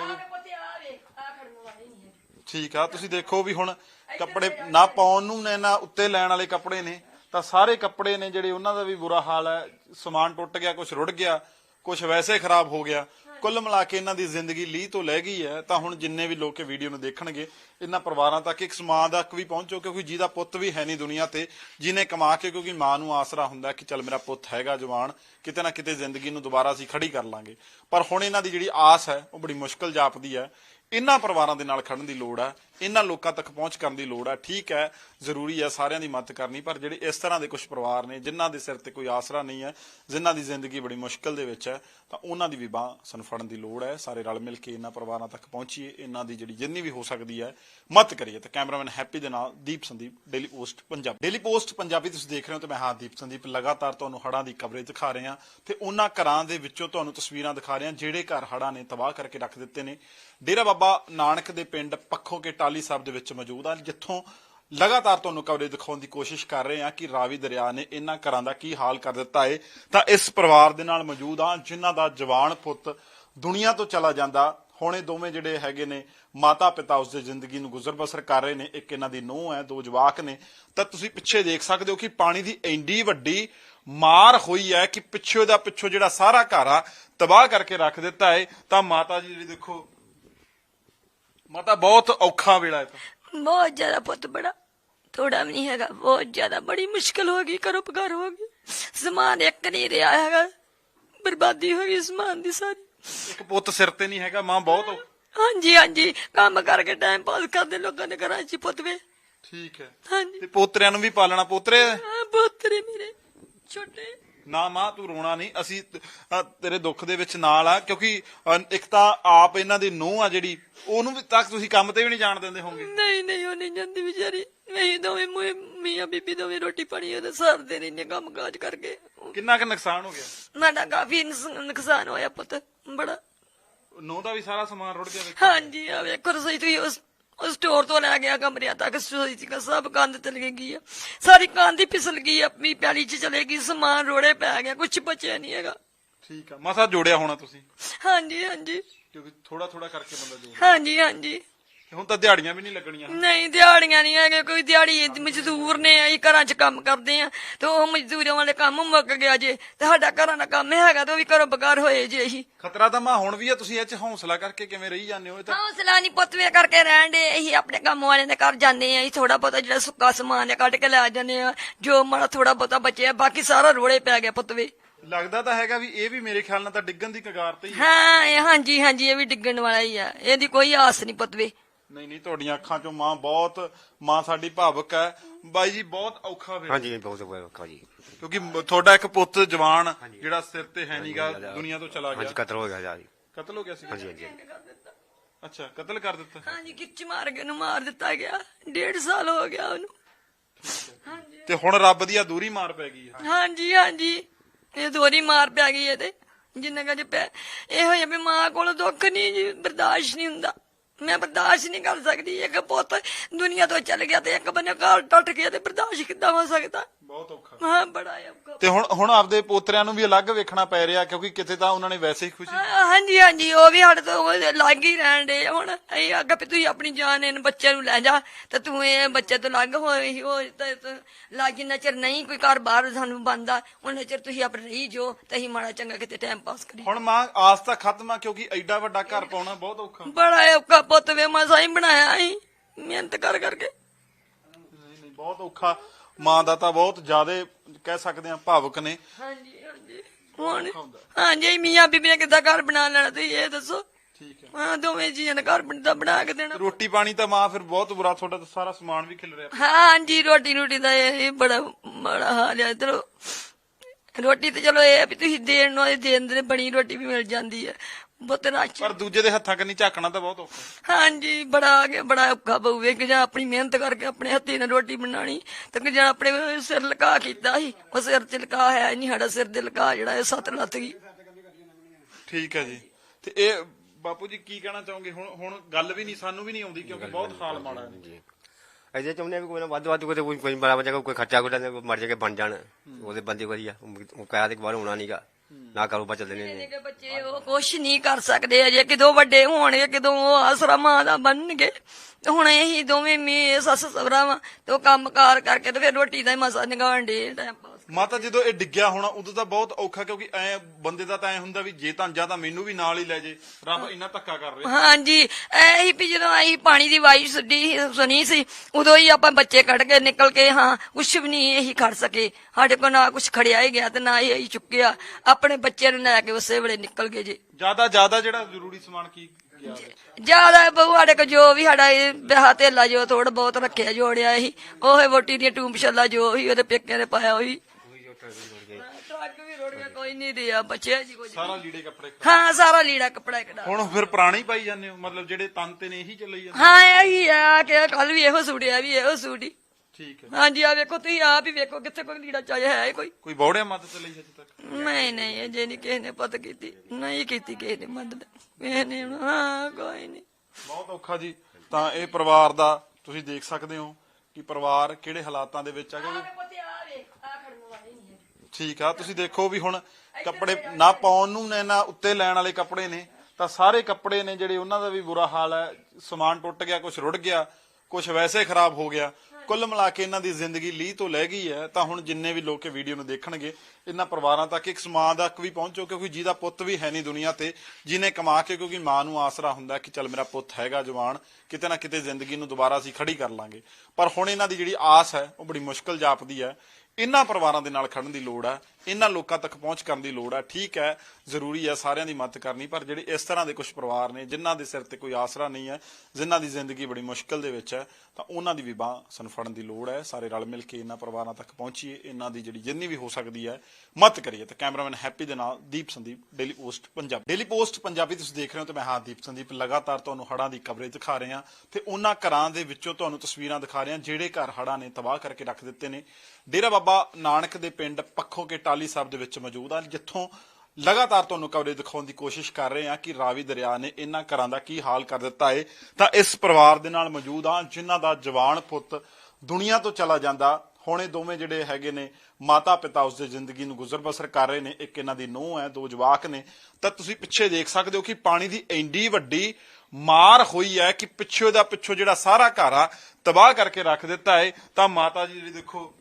ਠੀਕ ਆ, ਤੁਸੀਂ ਦੇਖੋ ਵੀ ਹੁਣ ਕੱਪੜੇ ਨਾ ਪਾਉਣ ਨੂੰ ਨੇ ਨਾ ਉੱਤੇ ਲੈਣ ਵਾਲੇ ਕੱਪੜੇ ਨੇ, ਤਾਂ ਸਾਰੇ ਕੱਪੜੇ ਨੇ ਜਿਹੜੇ ਉਹਨਾਂ ਦਾ ਵੀ ਬੁਰਾ ਹਾਲ ਹੈ। ਸਮਾਨ ਟੁੱਟ ਗਿਆ, ਕੁਝ ਰੁੜ ਗਿਆ, ਕੁਝ ਵੈਸੇ ਖਰਾਬ ਹੋ ਗਿਆ। ਕੁੱਲ ਮਿਲਾ ਕੇ ਇਹਨਾਂ ਦੀ ਜ਼ਿੰਦਗੀ ਲੀਹ ਤੋਂ ਲੈ ਗਈ ਹੈ। ਤਾਂ ਹੁਣ ਜਿੰਨੇ ਵੀ ਲੋਕ ਇਹ ਵੀਡੀਓ ਨੂੰ ਦੇਖਣਗੇ, ਇਹਨਾਂ ਪਰਿਵਾਰਾਂ ਤੱਕ ਇੱਕ ਸਮਾਂ ਤੱਕ ਵੀ ਪਹੁੰਚੋ, ਕਿਉਂਕਿ ਜਿਹਦਾ ਪੁੱਤ ਵੀ ਹੈ ਨਹੀਂ ਦੁਨੀਆ ਤੇ, ਜਿਹਨੇ ਕਮਾ ਕੇ, ਕਿਉਂਕਿ ਮਾਂ ਨੂੰ ਆਸਰਾ ਹੁੰਦਾ ਕਿ ਚੱਲ ਮੇਰਾ ਪੁੱਤ ਹੈਗਾ ਜਵਾਨ, ਕਿਤੇ ਨਾ ਕਿਤੇ ਜ਼ਿੰਦਗੀ ਨੂੰ ਦੁਬਾਰਾ ਅਸੀਂ ਖੜੀ ਕਰ ਲਾਂਗੇ। ਪਰ ਹੁਣ ਇਹਨਾਂ ਦੀ ਜਿਹੜੀ ਆਸ ਹੈ ਉਹ ਬੜੀ ਮੁਸ਼ਕਲ ਜਾਪਦੀ ਹੈ। ਇਹਨਾਂ ਪਰਿਵਾਰਾਂ ਦੇ ਨਾਲ ਖੜਨ ਦੀ ਲੋੜ ਹੈ, ਇਹਨਾਂ ਲੋਕਾਂ ਤੱਕ ਪਹੁੰਚ ਕਰਨ ਦੀ ਲੋੜ ਹੈ। ਠੀਕ ਹੈ, ਜ਼ਰੂਰੀ ਹੈ ਸਾਰਿਆਂ ਦੀ ਮਦਦ ਕਰਨੀ, ਪਰ ਜਿਹੜੇ ਇਸ ਤਰ੍ਹਾਂ ਦੇ ਕੁਝ ਪਰਿਵਾਰ ਨੇ ਜਿਨ੍ਹਾਂ ਦੇ ਸਿਰ ਤੇ ਕੋਈ ਆਸਰਾ ਨਹੀਂ ਹੈ, ਜਿਨ੍ਹਾਂ ਦੀ ਜ਼ਿੰਦਗੀ ਬੜੀ ਮੁਸ਼ਕਲ ਦੇ ਵਿੱਚ ਹੈ, ਤਾਂ ਉਹਨਾਂ ਦੀ ਵੀ ਬਾਂਹ ਸਾਨੂੰ ਫੜਨ ਦੀ ਲੋੜ ਹੈ। ਸਾਰੇ ਰਲ ਮਿਲ ਕੇ ਇਹਨਾਂ ਪਰਿਵਾਰਾਂ ਤੱਕ ਪਹੁੰਚੀਏ, ਇਹਨਾਂ ਦੀ ਜਿਹੜੀ ਜਿੰਨੀ ਵੀ ਹੋ ਸਕਦੀ ਹੈ ਮਦਦ ਕਰੀਏ। ਤਾਂ ਕੈਮਰਾਮੈਨ ਹੈਪੀ ਦੇ ਨਾਲ Deep Sandeep, Daily Post Punjabi. Daily Post Punjabi ਤੁਸੀਂ ਦੇਖ ਰਹੇ ਹੋ ਤੇ ਮੈਂ ਹਾਂ ਦੀਪ ਸੰਦੀਪ। ਲਗਾਤਾਰ ਤੁਹਾਨੂੰ ਹੜ੍ਹਾਂ ਦੀ ਕਵਰੇਜ ਦਿਖਾ ਰਹੇ ਹਾਂ ਤੇ ਉਹਨਾਂ ਘਰਾਂ ਦੇ ਵਿੱਚੋਂ ਤੁਹਾਨੂੰ ਤਸਵੀਰਾਂ ਦਿਖਾ ਰਹੇ ਹਾਂ ਜਿਹੜੇ ਘਰ ਹੜ੍ਹਾਂ ਨੇ ਤਬਾਹ ਕਰਕੇ ਰੱਖ ਦਿੱਤੇ ਨੇ। ਡੇਰਾ ਬਾਬਾ ਨਾਨਕ ਦੇ ਪਿੰਡ ਪੱਖੋ ਕੇ ਟਾਲੀ ਸਾਹਿਬ ਦੇ ਵਿੱਚ ਮੌਜੂਦ ਆ, ਜਿੱਥੋਂ ਲਗਾਤਾਰ ਤੁਹਾਨੂੰ ਕਵਰੇਜ ਦਿਖਾਉਣ ਦੀ ਕੋਸ਼ਿਸ਼ ਕਰ ਰਹੇ ਹਾਂ ਕਿ ਰਾਵੀ ਦਰਿਆ ਨੇ ਇਹਨਾਂ ਘਰਾਂ ਦਾ ਕੀ ਹਾਲ ਕਰ ਦਿੱਤਾ ਹੈ। ਤਾਂ ਇਸ ਪਰਿਵਾਰ ਦੇ ਨਾਲ ਮੌਜੂਦ ਆ ਜਿਨ੍ਹਾਂ ਦਾ ਜਵਾਨ ਪੁੱਤ ਦੁਨੀਆ ਤੋਂ ਚਲਾ ਜਾਂਦਾ। ਹੁਣ ਇਹ ਦੋਵੇਂ ਜਿਹੜੇ ਹੈਗੇ ਨੇ ਮਾਤਾ ਪਿਤਾ ਉਸਦੇ ਜ਼ਿੰਦਗੀ ਨੂੰ ਗੁਜ਼ਰ ਬਸਰ ਕਰ ਰਹੇ ਨੇ। ਇੱਕ ਇਹਨਾਂ ਦੀ ਨੂੰਹ ਹੈ, 2 ਜਵਾਕ ਨੇ। ਤਾਂ ਤੁਸੀਂ ਪਿੱਛੇ ਦੇਖ ਸਕਦੇ ਹੋ ਕਿ ਪਾਣੀ ਦੀ ਐਡੀ ਵੱਡੀ ਮਾਰ ਹੋਈ ਹੈ ਕਿ ਪਿੱਛੋਂ ਜਿਹੜਾ ਸਾਰਾ ਘਰ ਆ ਤਬਾਹ ਕਰਕੇ ਰੱਖ ਦਿੱਤਾ ਹੈ। ਤਾਂ ਮਾਤਾ ਜੀ ਜਿਹੜੀ ਦੇਖੋ, ਮਾਤਾ ਬਹੁਤ ਔਖਾ ਵੇਲਾ ਹੈ। ਤਾਂ ਬਹੁਤ ਜ਼ਿਆਦਾ ਪੁੱਤ, ਬੜਾ ਥੋੜਾ ਵੀ ਨਹੀਂ ਹੈਗਾ, ਬਹੁਤ ਜ਼ਿਆਦਾ ਬੜੀ ਮੁਸ਼ਕਲ ਹੋ ਗਈ, ਘਰੋਂ ਬਗਾਰ ਹੋ ਗਈ, ਸਮਾਨ ਇੱਕ ਨਹੀਂ ਰਿਹਾ ਹੈਗਾ, ਬਰਬਾਦੀ ਹੋ ਗਈ ਸਮਾਨ ਦੀ ਸਾਰੀ। ਇੱਕ ਪੁੱਤ ਸਿਰ ਤੇ ਨਹੀਂ ਹੈਗਾ, ਮਾਂ ਬਹੁਤ ਹਾਂਜੀ ਹਾਂਜੀ, ਕੰਮ ਕਰਕੇ ਟਾਈਮ ਪਾਸ ਕਰਦੇ ਲੋਕਾਂ ਦੇ ਘਰਾਂ 'ਚ ਪੁੱਤ ਵੇ। ਠੀਕ ਹੈ। ਹਾਂਜੀ, ਤੇ ਪੋਤਰਿਆਂ ਨੂੰ ਵੀ ਪਾਲਣਾ, ਪੋਤਰੇ ਪੋਤਰੇ ਮੇਰੇ ਛੋਟੇ। ਨਾ ਮਾਂ ਤੂੰ ਰੋਣਾ ਨਹੀਂ, ਅਸੀਂ ਤੇਰੇ ਦੁੱਖ ਦੇ ਵਿੱਚ ਨਾਲ ਆ, ਕਿਉਂਕਿ ਇੱਕ ਤਾਂ ਆਪ ਇਹਨਾਂ ਦੀ ਨੂੰਹ ਆ ਜਿਹੜੀ, ਉਹਨੂੰ ਵੀ ਤੱਕ ਤੁਸੀਂ ਕੰਮ ਤੇ ਵੀ ਨਹੀਂ ਜਾਣ ਦਿੰਦੇ ਹੋਗੇ। ਨਹੀਂ ਨਹੀਂ, ਉਹ ਨਹੀਂ ਜਾਂਦੀ ਵਿਚਾਰੀ, ਅਸੀਂ ਦੋਵੇਂ ਮੀਆਂ ਬੀਬੀ ਦੋਵੇਂ ਰੋਟੀ ਪਾਣੀ ਉਹਦੇ ਸਰਦੇ ਰਹਿੰਦੇ ਕੰਮ ਕਾਜ ਕਰਕੇ। ਕਿੰਨਾ ਕੁ ਨੁਕਸਾਨ ਹੋ ਗਿਆ? ਸਾਡਾ ਕਾਫੀ ਨੁਕਸਾਨ ਹੋਇਆ ਪੁੱਤ, ਬੜਾ। ਨੂੰਹ ਦਾ ਵੀ ਸਾਰਾ ਸਮਾਨ ਰੁੜ ਗਿਆ? ਹਾਂਜੀ, ਆ ਵੇਖੋ ਰਸੋਈ ਤੁਸੀਂ ਉਸ ਸਟੋਰ ਤੋਂ ਲੈ ਗਿਆ ਕਮਰਿਆਂ ਤੱਕ, ਰਸੋਈ ਚ ਸਭ ਕੰਧ ਚਲ ਗਈ ਆ, ਸਾਰੀ ਕੰਧ ਹੀ ਫਿਸਲ ਗਈ, ਆਪਣੀ ਪੈਲੀ ਚ ਚਲੇ ਗਈ, ਸਮਾਨ ਰੋੜੇ ਪੈ ਗਿਆ, ਕੁਛ ਬਚਿਆ ਨਹੀਂ ਹੈਗਾ। ਠੀਕ ਆ, ਮਸਾ ਜੋੜਿਆ ਹੋਣਾ ਤੁਸੀਂ? ਹਾਂਜੀ ਹਾਂਜੀ, ਕਿਉਂਕਿ ਥੋੜਾ ਥੋੜਾ ਕਰਕੇ ਬੰਦਾ ਜੋੜ। ਹਾਂਜੀ ਹਾਂਜੀ। ਹੁਣ ਤਾਂ ਦਿਹਾੜੀਆਂ ਵੀ ਨਹੀਂ ਲੱਗਣੀਆਂ? ਨਹੀਂ, ਦਿਹਾੜੀਆਂ ਨਹੀਂ ਹੈਗੇ, ਕੋਈ ਦਿਹਾੜੀ ਮਜ਼ਦੂਰ ਨੇ, ਅਸੀਂ ਘਰਾਂ 'ਚ ਕੰਮ ਕਰਦੇ ਆ ਤੇ ਉਹ ਮਜ਼ਦੂਰਾਂ ਵਾਲੇ ਕੰਮ ਮੁੱਕ ਗਿਆ ਜੇ, ਤੇ ਸਾਡਾ ਘਰਾਂ ਦਾ ਕੰਮ ਹੈਗਾ ਤੇ ਉਹ ਵੀ ਘਰੋਂ ਬਗਾਰ ਹੋਏ ਜੇ। ਅਸੀਂ ਖਤਰਾ ਤਾਂ ਮਾਂ ਹੁਣ ਵੀ ਆ, ਤੁਸੀਂ ਇਹ ਚ ਹੌਸਲਾ ਕਰਕੇ ਕਿਵੇਂ ਰਹੀ ਜਾਂਦੇ ਹੋ? ਇਹ ਤਾਂ ਹੌਸਲਾ ਨਹੀਂ ਪੁੱਤਵੇ ਕਰਕੇ ਰਹਿਣ ਦੇ, ਅਸੀਂ ਆਪਣੇ ਕੰਮ ਵਾਲਿਆਂ ਦੇ ਘਰ ਜਾਂਦੇ ਆ, ਅਸੀਂ ਥੋੜਾ ਬਹੁਤਾ ਜਿਹੜਾ ਸੁੱਕਾ ਸਮਾਨ ਹੈ ਕੱਢ ਕੇ ਲੈ ਜਾਂਦੇ ਆ, ਜੋ ਮਾੜਾ ਥੋੜਾ ਬਹੁਤਾ ਬਚਿਆ, ਬਾਕੀ ਸਾਰਾ ਰੋੜੇ ਪੈ ਗਿਆ ਪੁੱਤਵੇ। ਲੱਗਦਾ ਤਾਂ ਹੈਗਾ ਵੀ ਇਹ ਵੀ ਮੇਰੇ ਖਿਆਲ ਨਾਲ ਤਾਂ ਡਿੱਗਣ ਦੀ ਕਗਾਰ ਤੇ ਹੀ ਹੈ। ਹਾਂ ਹਾਂਜੀ ਹਾਂਜੀ, ਇਹ ਵੀ ਡਿੱਗਣ ਵਾਲਾ ਹੀ ਆ, ਇਹਦੀ ਕੋਈ ਆਸ ਨਹੀਂ ਪੁੱਤਵੇ। ਨਹੀਂ ਨਹੀਂ, ਤੁਹਾਡੀਆਂ ਅੱਖਾਂ ਚੋਂ ਮਾਂ ਸਾਡੀ ਭਾਵੁਕ ਹੈ। ਬਾਈ ਜੀ ਬਹੁਤ ਔਖਾ ਵੇਲਾ। ਹਾਂਜੀ, ਬਹੁਤ ਔਖਾ ਜੀ, ਕਿਉਂਕਿ ਤੁਹਾਡਾ ਇੱਕ ਪੁੱਤ ਜਵਾਨ ਜਿਹੜਾ ਸਿਰ ਤੇ ਹੈ ਨਹੀਂਗਾ, ਦੁਨੀਆ ਤੋਂ ਚਲਾ ਗਿਆ। ਹਾਂਜੀ, ਕਤਲ ਹੋ ਗਿਆ ਜੀ। ਕਤਲ ਹੋ ਗਿਆ ਸੀ? ਹਾਂਜੀ ਹਾਂਜੀ। ਅੱਛਾ, ਕਤਲ ਕਰ ਦਿੱਤਾ? ਹਾਂਜੀ, ਖਿੱਚ ਮਾਰ ਕੇ ਉਹਨੂੰ ਮਾਰ ਦਿੱਤਾ ਗਿਆ, 1.5 ਸਾਲ ਹੋ ਗਿਆ ਉਹਨੂੰ। ਹਾਂਜੀ ਤੇ ਹੁਣ ਰੱਬ ਦੀ ਦੂਰੀ ਮਾਰ ਪੈ ਗਈ ਹੈ। ਹਾਂਜੀ ਹਾਂਜੀ, ਇਹ ਦੋਰੀ ਮਾਰ ਪੈ ਗਈ ਇਹਦੇ, ਜਿੰਨਾ ਕੁ ਪੈ ਇਹੋ ਜਿਹਾ ਵੀ ਮਾਂ ਕੋਲ ਦੁੱਖ ਨਹੀਂ ਜੀ, ਬਰਦਾਸ਼ਤ ਨਹੀਂ ਹੁੰਦਾ, ਮੈਂ ਬਰਦਾਸ਼ਤ ਨਹੀਂ ਕਰ ਸਕਦੀ। ਇੱਕ ਪੁੱਤ ਦੁਨੀਆ ਤੋਂ ਚੱਲ ਗਿਆ ਤੇ ਇੱਕ ਬੰਨੇ ਘਰ ਟੁੱਟ ਗਿਆ, ਤੇ ਬਰਦਾਸ਼ਤ ਕਿੱਦਾਂ ਹੋ ਸਕਦਾ? ਬਹੁਤ ਔਖਾ। ਹਾਂ, ਬੜਾ ਔਖਾ। ਤੇ ਹੁਣ ਆਪਦੇ ਪੋਤਰਿਆਂ ਨੂੰ ਵੀ ਅਲੱਗ ਵੇਖਣਾ ਪੈ ਰਿਹਾ, ਕਿਉਂਕਿ ਕਿਤੇ ਤਾਂ ਉਹਨਾਂ ਨੇ ਵੈਸੇ ਹੀ ਖੁਸ਼ੀ। ਹਾਂਜੀ ਹਾਂਜੀ, ਉਹ ਵੀ ਸਾਡੇ ਤੋਂ ਲੱਗ ਹੀ ਰਹਿਣ ਦੇ। ਹੁਣ ਅਸੀਂ ਆਖਿਆ ਵੀ ਤੁਸੀਂ ਆਪਣੀ ਜਾਨ ਇਹਨਾਂ ਬੱਚਿਆਂ ਨੂੰ ਲੈ ਜਾ, ਤੇ ਤੂੰ ਇਹ ਬੱਚੇ ਤੋਂ ਅਲੱਗ ਹੋਏ ਹੋ ਲੱਗ, ਜਿੰਨਾ ਚਿਰ ਨਹੀਂ ਕੋਈ ਘਰ ਬਾਹਰ ਸਾਨੂੰ ਬਣਦਾ ਉਹਨਾਂ ਚਿਰ ਤੁਸੀਂ ਆਪਣੇ ਰਹੀ ਜੋ, ਤੇ ਅਸੀਂ ਮਾੜਾ ਚੰਗਾ ਕਿਤੇ ਟਾਈਮ ਪਾਸ ਕਰੀ। ਹੁਣ ਮਾਂ ਆਸ ਤਾਂ ਖਤਮ ਆ, ਕਿਉਂਕਿ ਐਡਾ ਵੱਡਾ ਘਰ ਪਾਉਣਾ ਬਹੁਤ ਔਖਾ। ਬੜਾ ਔਖਾ ਪੁੱਤ ਵੇ, ਮਸਾਂ ਹੀ ਬਣਾਇਆ ਅਸੀਂ ਮਿਹਨਤ ਕਰ ਕਰਕੇ। ਨਹੀਂ ਬਹੁਤ ਔਖਾ। ਮਾਂ ਦਾ ਤਾਂ ਬਹੁਤ ਜ਼ਿਆਦਾ ਕਹਿ ਸਕਦੇ ਆ ਭਾਵੁਕ ਨੇ। ਹਾਂਜੀ ਹਾਂਜੀ, ਹੁਣ ਹਾਂਜੀ ਮੀਆਂ ਬੀਬੀ ਨੇ ਕਿੱਦਾਂ ਘਰ ਬਣਾ ਲੈਣਾ ਤੁਸੀਂ ਇਹ ਦੱਸੋ? ਠੀਕ ਹੈ। ਹਾਂ, ਦੋਵੇਂ ਜੀਆਂ ਦਾ ਘਰ ਬਣਾ ਕੇ ਦੇਣਾ। ਰੋਟੀ ਪਾਣੀ ਤਾਂ ਮਾਂ ਫਿਰ ਬਹੁਤ ਬੁਰਾ, ਤੁਹਾਡਾ ਤਾਂ ਸਾਰਾ ਸਮਾਨ ਵੀ ਖਿਲ ਰਿਹਾ। ਹਾਂਜੀ, ਰੋਟੀ ਦਾ ਇਹ ਬੜਾ ਮਾੜਾ ਹਾਲ ਹੈ ਇੱਧਰ। ਰੋਟੀ ਤੇ ਚਲੋ ਇਹ ਵੀ ਤੁਸੀਂ ਦੇਣ ਨੂੰ ਦੇਣ ਦੇ, ਬਣੀ ਰੋਟੀ ਵੀ ਮਿਲ ਜਾਂਦੀ ਹੈ, ਬਹੁਤ ਰਾਸ਼। ਪਰ ਦੂਜੇ ਦੇ ਹੱਥਾਂ ਕੰਨੀ ਝਾਕਣਾ ਤਾਂ ਬਹੁਤ ਔਖਾ। ਹਾਂਜੀ, ਬੜਾ ਔਖਾ ਪਊਵੇ ਕਿ ਜਾਂ ਆਪਣੀ ਮਿਹਨਤ ਕਰਕੇ ਆਪਣੇ ਹੱਥੀਂ ਨਾਲ ਰੋਟੀ ਬਣਾਣੀ, ਤੇ ਕਿ ਜਾਂ ਆਪਣੇ ਸਿਰ ਲਕਾ ਕੀਤਾ ਸੀ, ਉਹ ਸਿਰ ਚ ਲਕਾ ਹੈ ਨਹੀਂ, ਸਾਡਾ ਸਿਰ ਦੇ ਲਕਾ ਜਿਹੜਾ ਇਹ 7 ਲੱਤ ਗਈ। ਠੀਕ ਹੈ ਜੀ। ਤੇ ਇਹ ਬਾਪੂ ਜੀ ਕੀ ਕਹਿਣਾ ਚਾਹੋਗੇ? ਹੁਣ ਗੱਲ ਵੀ ਨਹੀਂ, ਸਾਨੂੰ ਵੀ ਨਹੀਂ ਆਉਂਦੀ, ਕਿਉਂਕਿ ਬਹੁਤ ਹਾਲ ਮਾੜਾ ਹੈ। ਅਜੇ ਚਾਹੁੰਦੇ ਵੀ ਕੋਈ ਨਾ ਵੱਧ ਕੋਈ ਬੜਾ ਬੱਚਾ ਕੋਈ ਖਰਚਾ ਕੋਈ ਮਰ ਜਾ ਕੇ ਬਣ ਜਾਣ, ਉਹਦੇ ਬੰਦੇ ਵਧੀਆ, ਉਹ ਕਹਿਆ ਤੇ ਬਾਹਰ ਹੋਣਾ ਨਹੀਂਗਾ, ਨਾ ਕਰੋ ਬਚਤ ਲੈਣੇ ਕਿ ਬੱਚੇ ਉਹ ਕੁਛ ਨਹੀਂ ਕਰ ਸਕਦੇ ਅਜੇ, ਕਿਦੋਂ ਵੱਡੇ ਹੋਣਗੇ, ਕਿਦੋਂ ਉਹ ਆਸਰਾ ਮਾਂ ਦਾ ਬਣਨਗੇ। ਤੇ ਹੁਣ ਇਹੀ ਦੋਵੇਂ ਮੀ ਸੱਸ ਸਵਰਾ ਵਾ, ਤੇ ਉਹ ਕੰਮ ਕਾਰ ਕਰਕੇ ਤੇ ਫਿਰ ਰੋਟੀ ਦਾ ਹੀ ਮਸਾ ਨਿਗਾਣ ਦੇ ਟਾਈਮ ਪਾਸ। ਮਾਤਾ ਜਦੋਂ ਇਹ ਡਿੱਗਿਆ ਹੋਣਾ ਉਦੋਂ ਤਾਂ ਬਹੁਤ ਔਖਾ, ਕਿਉਂਕਿ ਐ ਬੰਦੇ ਦਾ ਤਾਂ ਐ ਹੁੰਦਾ ਵੀ ਜੇ ਤਾਂ ਜਾਂ ਤਾਂ ਮੈਨੂੰ ਵੀ ਨਾਲ ਹੀ ਲੈ ਜੇ, ਰੱਬ ਇੰਨਾ ਧੱਕਾ ਕਰ ਰਿਹਾ। ਹਾਂਜੀ, ਇਹੀ ਵੀ ਜਦੋਂ ਅਸੀਂ ਪਾਣੀ ਦੀ ਵਾਈ ਸੁਣੀ ਸੀ, ਉਦੋਂ ਹੀ ਆਪਾਂ ਬੱਚੇ ਕੱਢ ਕੇ ਨਿਕਲ ਕੇ, ਹਾਂ ਕੁਛ ਵੀ ਨਹੀਂ ਇਹੀ ਖੜ ਸਕੇ, ਸਾਡੇ ਕੋਲ ਨਾ ਕੁਛ ਖੜਿਆ ਹੀ ਗਿਆ ਤੇ ਨਾ ਹੀ ਅਸੀਂ ਚੁੱਕਿਆ, ਆਪਣੇ ਬੱਚੇ ਨੂੰ ਲੈ ਕੇ ਉਸੇ ਵੇਲੇ ਨਿਕਲ ਗਏ ਜੀ। ਜਿਆਦਾ ਜਿਹੜਾ ਜ਼ਰੂਰੀ ਸਮਾਨ ਕੀ ਗਿਆ? ਜਿਆਦਾ ਬਹੂ ਸਾਡੇ ਕੋਲ ਜੋ ਵੀ ਸਾਡਾ ਵਿਆਹ ਧੇਲਾ ਜੋ ਥੋੜਾ ਬਹੁਤ ਰੱਖਿਆ ਜੋੜਿਆ ਸੀ, ਉਹ ਵੋਟੀ ਦੀਆਂ ਟੂੰਬ ਜੋ ਵੀ ਉਹਦੇ ਪੇਕਿਆਂ ਨੇ ਪਾਇਆ ਉਹੀ। ਟਰੱਕ ਵੀ ਰੁੜ ਗਿਆ, ਕੋਈ ਨਹੀਂ ਰਿਹਾ ਬਚਿਆ ਜੀ ਕੁਝ। ਸਾਰਾ ਲੀੜੇ ਕੱਪੜੇ? ਹਾਂ, ਸਾਰਾ ਲੀੜਾ ਕੱਪੜਾ ਕਢਾ। ਹੁਣ ਫਿਰ ਪੁਰਾਣੇ ਹੀ ਪਾਈ ਜਾਂਦੇ ਹੋ, ਮਤਲਬ ਜਿਹੜੇ ਤਨ ਤੇ ਨੇ ਇਹੀ ਚੱਲੀ ਜਾਂਦੇ? ਹਾਂ, ਇਹੀ ਆ ਕਿ ਕੱਲ ਵੀ ਇਹੋ ਸੂਟ ਆ, ਵੀ ਇਹੋ ਸੂਟ ਹੀ। ਠੀਕ ਹੈ। ਹਾਂਜੀ, ਆ ਵੇਖੋ ਤੁਸੀਂ ਆਪ ਹੀ ਵੇਖੋ, ਕਿੱਥੇ ਕੋਈ ਲੀੜਾ ਚਾਹਿਆ ਹੈ ਕੋਈ ਬੌੜਿਆ ਮਦਦ ਲਈ ਹਜੇ ਤੱਕ? ਨਹੀਂ, ਅਜੇ ਨਹੀਂ ਕਿਸੇ ਨੇ ਪਤ ਕੀਤੀ, ਨਹੀਂ ਕੀਤੀ ਕਿਸੇ ਨੇ ਮਦਦ, ਕਿਸੇ ਨੇ। ਹਾਂ, ਕੋਈ ਨਹੀਂ। ਬਹੁਤ ਔਖਾ ਜੀ। ਤਾਂ ਇਹ ਪਰਿਵਾਰ ਦਾ ਤੁਸੀਂ ਦੇਖ ਸਕਦੇ ਹੋ ਕਿ ਪਰਿਵਾਰ ਕਿਹੜੇ ਹਾਲਾਤਾਂ ਦੇ ਵਿੱਚ ਆ। ਠੀਕ ਆ, ਤੁਸੀਂ ਦੇਖੋ ਵੀ ਹੁਣ ਕੱਪੜੇ ਨਾ ਪਾਉਣ ਨੂੰ ਨੇ, ਨਾ ਉੱਤੇ ਲੈਣ ਵਾਲੇ ਕੱਪੜੇ ਨੇ, ਤਾਂ ਸਾਰੇ ਕੱਪੜੇ ਨੇ ਜਿਹੜੇ ਉਹਨਾਂ ਦਾ ਵੀ ਬੁਰਾ ਹਾਲ ਹੈ। ਸਮਾਨ ਟੁੱਟ ਗਿਆ, ਕੁਝ ਰੁੜ ਗਿਆ, ਕੁਝ ਵੈਸੇ ਖਰਾਬ ਹੋ ਗਿਆ। ਕੁੱਲ ਮਿਲਾ ਕੇ ਇਹਨਾਂ ਦੀ ਜ਼ਿੰਦਗੀ ਲੀਹ ਤੋਂ ਲੈ ਗਈ ਹੈ। ਤਾਂ ਹੁਣ ਜਿੰਨੇ ਵੀ ਲੋਕ ਇਹ ਵੀਡੀਓ ਨੂੰ ਦੇਖਣਗੇ, ਇਹਨਾਂ ਪਰਿਵਾਰਾਂ ਤੱਕ ਇੱਕ ਸਮਾਂ ਤੱਕ ਵੀ ਪਹੁੰਚੋ, ਕਿਉਂਕਿ ਜਿਹਦਾ ਪੁੱਤ ਵੀ ਹੈ ਨਹੀਂ ਦੁਨੀਆ ਤੇ, ਜਿਹਨੇ ਕਮਾ ਕੇ, ਕਿਉਂਕਿ ਮਾਂ ਨੂੰ ਆਸਰਾ ਹੁੰਦਾ ਕਿ ਚੱਲ ਮੇਰਾ ਪੁੱਤ ਹੈਗਾ ਜਵਾਨ, ਕਿਤੇ ਨਾ ਕਿਤੇ ਜ਼ਿੰਦਗੀ ਨੂੰ ਦੁਬਾਰਾ ਅਸੀਂ ਖੜੀ ਕਰ ਲਾਂਗੇ। ਪਰ ਹੁਣ ਇਹਨਾਂ ਦੀ ਜਿਹੜੀ ਆਸ ਹੈ ਉਹ ਬੜੀ ਮੁਸ਼ਕਲ ਜਾਪਦੀ ਹੈ। ਇਹਨਾਂ ਪਰਿਵਾਰਾਂ ਦੇ ਨਾਲ ਖੜਨ ਦੀ ਲੋੜ ਹੈ, ਇਹਨਾਂ ਲੋਕਾਂ ਤੱਕ ਪਹੁੰਚ ਕਰਨ ਦੀ ਲੋੜ ਹੈ। ਠੀਕ ਹੈ, ਜ਼ਰੂਰੀ ਹੈ ਸਾਰਿਆਂ ਦੀ ਮਦਦ ਕਰਨੀ, ਪਰ ਜਿਹੜੇ ਇਸ ਤਰ੍ਹਾਂ ਦੇ ਕੁਝ ਪਰਿਵਾਰ ਨੇ ਜਿਨ੍ਹਾਂ ਦੇ ਸਿਰ ਤੇ ਕੋਈ ਆਸਰਾ ਨਹੀਂ ਹੈ, ਜਿਨ੍ਹਾਂ ਦੀ ਜ਼ਿੰਦਗੀ ਬੜੀ ਮੁਸ਼ਕਲ ਦੇ ਵਿੱਚ ਹੈ, ਤਾਂ ਉਹਨਾਂ ਦੀ ਵੀ ਬਾਂਹ ਸਾਨੂੰ ਫੜਨ ਦੀ ਲੋੜ ਹੈ। ਸਾਰੇ ਰਲ ਮਿਲ ਕੇ ਇਹਨਾਂ ਪਰਿਵਾਰਾਂ ਤੱਕ ਪਹੁੰਚੀਏ, ਇਹਨਾਂ ਦੀ ਜਿਹੜੀ ਜਿੰਨੀ ਵੀ ਹੋ ਸਕਦੀ ਹੈ ਮਦਦ ਕਰੀਏ। ਤਾਂ ਕੈਮਰਾਮੈਨ ਹੈਪੀ ਦੇ ਨਾਲ Deep Sandeep, Daily Post Punjabi. Daily Post Punjabi ਤੁਸੀਂ ਦੇਖ ਰਹੇ ਹੋ ਤੇ ਮੈਂ ਹਾਂ ਦੀਪ ਸੰਦੀਪ ਲਗਾਤਾਰ ਤੁਹਾਨੂੰ ਹੜ੍ਹਾਂ ਦੀ ਕਵਰੇਜ ਦਿਖਾ ਰਹੇ ਹਾਂ ਤੇ ਉਹਨਾਂ ਘਰਾਂ ਦੇ ਵਿੱਚੋਂ ਤੁਹਾਨੂੰ ਤਸਵੀਰਾਂ ਦਿਖਾ ਰਹੇ ਹਾਂ ਜਿਹੜੇ ਘਰ ਹੜ੍ਹਾਂ ਨੇ ਤਬਾਹ ਕਰਕੇ ਰੱਖ ਦਿੱਤੇ ਨੇ। ਡੇਰਾ ਬਾਬਾ ਨਾਨਕ ਦੇ ਪਿੰਡ ਪੱਖੋ ਕੇ ਟਾਲੀ ਸਾਹਿਬ ਦੇ ਵਿੱਚ ਮੌਜੂਦ ਆ, ਜਿੱਥੋਂ ਲਗਾਤਾਰ ਤੁਹਾਨੂੰ ਕਵਰੇਜ ਦਿਖਾਉਣ ਦੀ ਕੋਸ਼ਿਸ਼ ਕਰ ਰਹੇ ਹਾਂ ਕਿ ਰਾਵੀ ਦਰਿਆ ਨੇ ਇਹਨਾਂ ਘਰਾਂ ਦਾ ਕੀ ਹਾਲ ਕਰ ਦਿੱਤਾ ਹੈ। ਤਾਂ ਇਸ ਪਰਿਵਾਰ ਦੇ ਨਾਲ ਮੌਜੂਦ ਆ ਜਿਨ੍ਹਾਂ ਦਾ ਜਵਾਨ ਪੁੱਤ ਦੁਨੀਆ ਤੋਂ ਚਲਾ ਜਾਂਦਾ। ਹੁਣ ਇਹ ਦੋਵੇਂ ਜਿਹੜੇ ਹੈਗੇ ਨੇ ਮਾਤਾ ਪਿਤਾ ਉਸਦੇ ਜ਼ਿੰਦਗੀ ਨੂੰ ਗੁਜ਼ਰ ਬਸਰ ਕਰ ਰਹੇ ਨੇ। ਇੱਕ ਇਹਨਾਂ ਦੀ ਨੂੰਹ ਹੈ, 2 ਜਵਾਕ ਨੇ। ਤਾਂ ਤੁਸੀਂ ਪਿੱਛੇ ਦੇਖ ਸਕਦੇ ਹੋ ਕਿ ਪਾਣੀ ਦੀ ਐਡੀ ਵੱਡੀ ਮਾਰ ਹੋਈ ਹੈ ਕਿ ਪਿੱਛੋਂ ਜਿਹੜਾ ਸਾਰਾ ਘਰ ਆ ਤਬਾਹ ਕਰਕੇ ਰੱਖ ਦਿੱਤਾ ਹੈ। ਤਾਂ ਮਾਤਾ ਜੀ ਜਿਹੜੀ ਦੇਖੋ,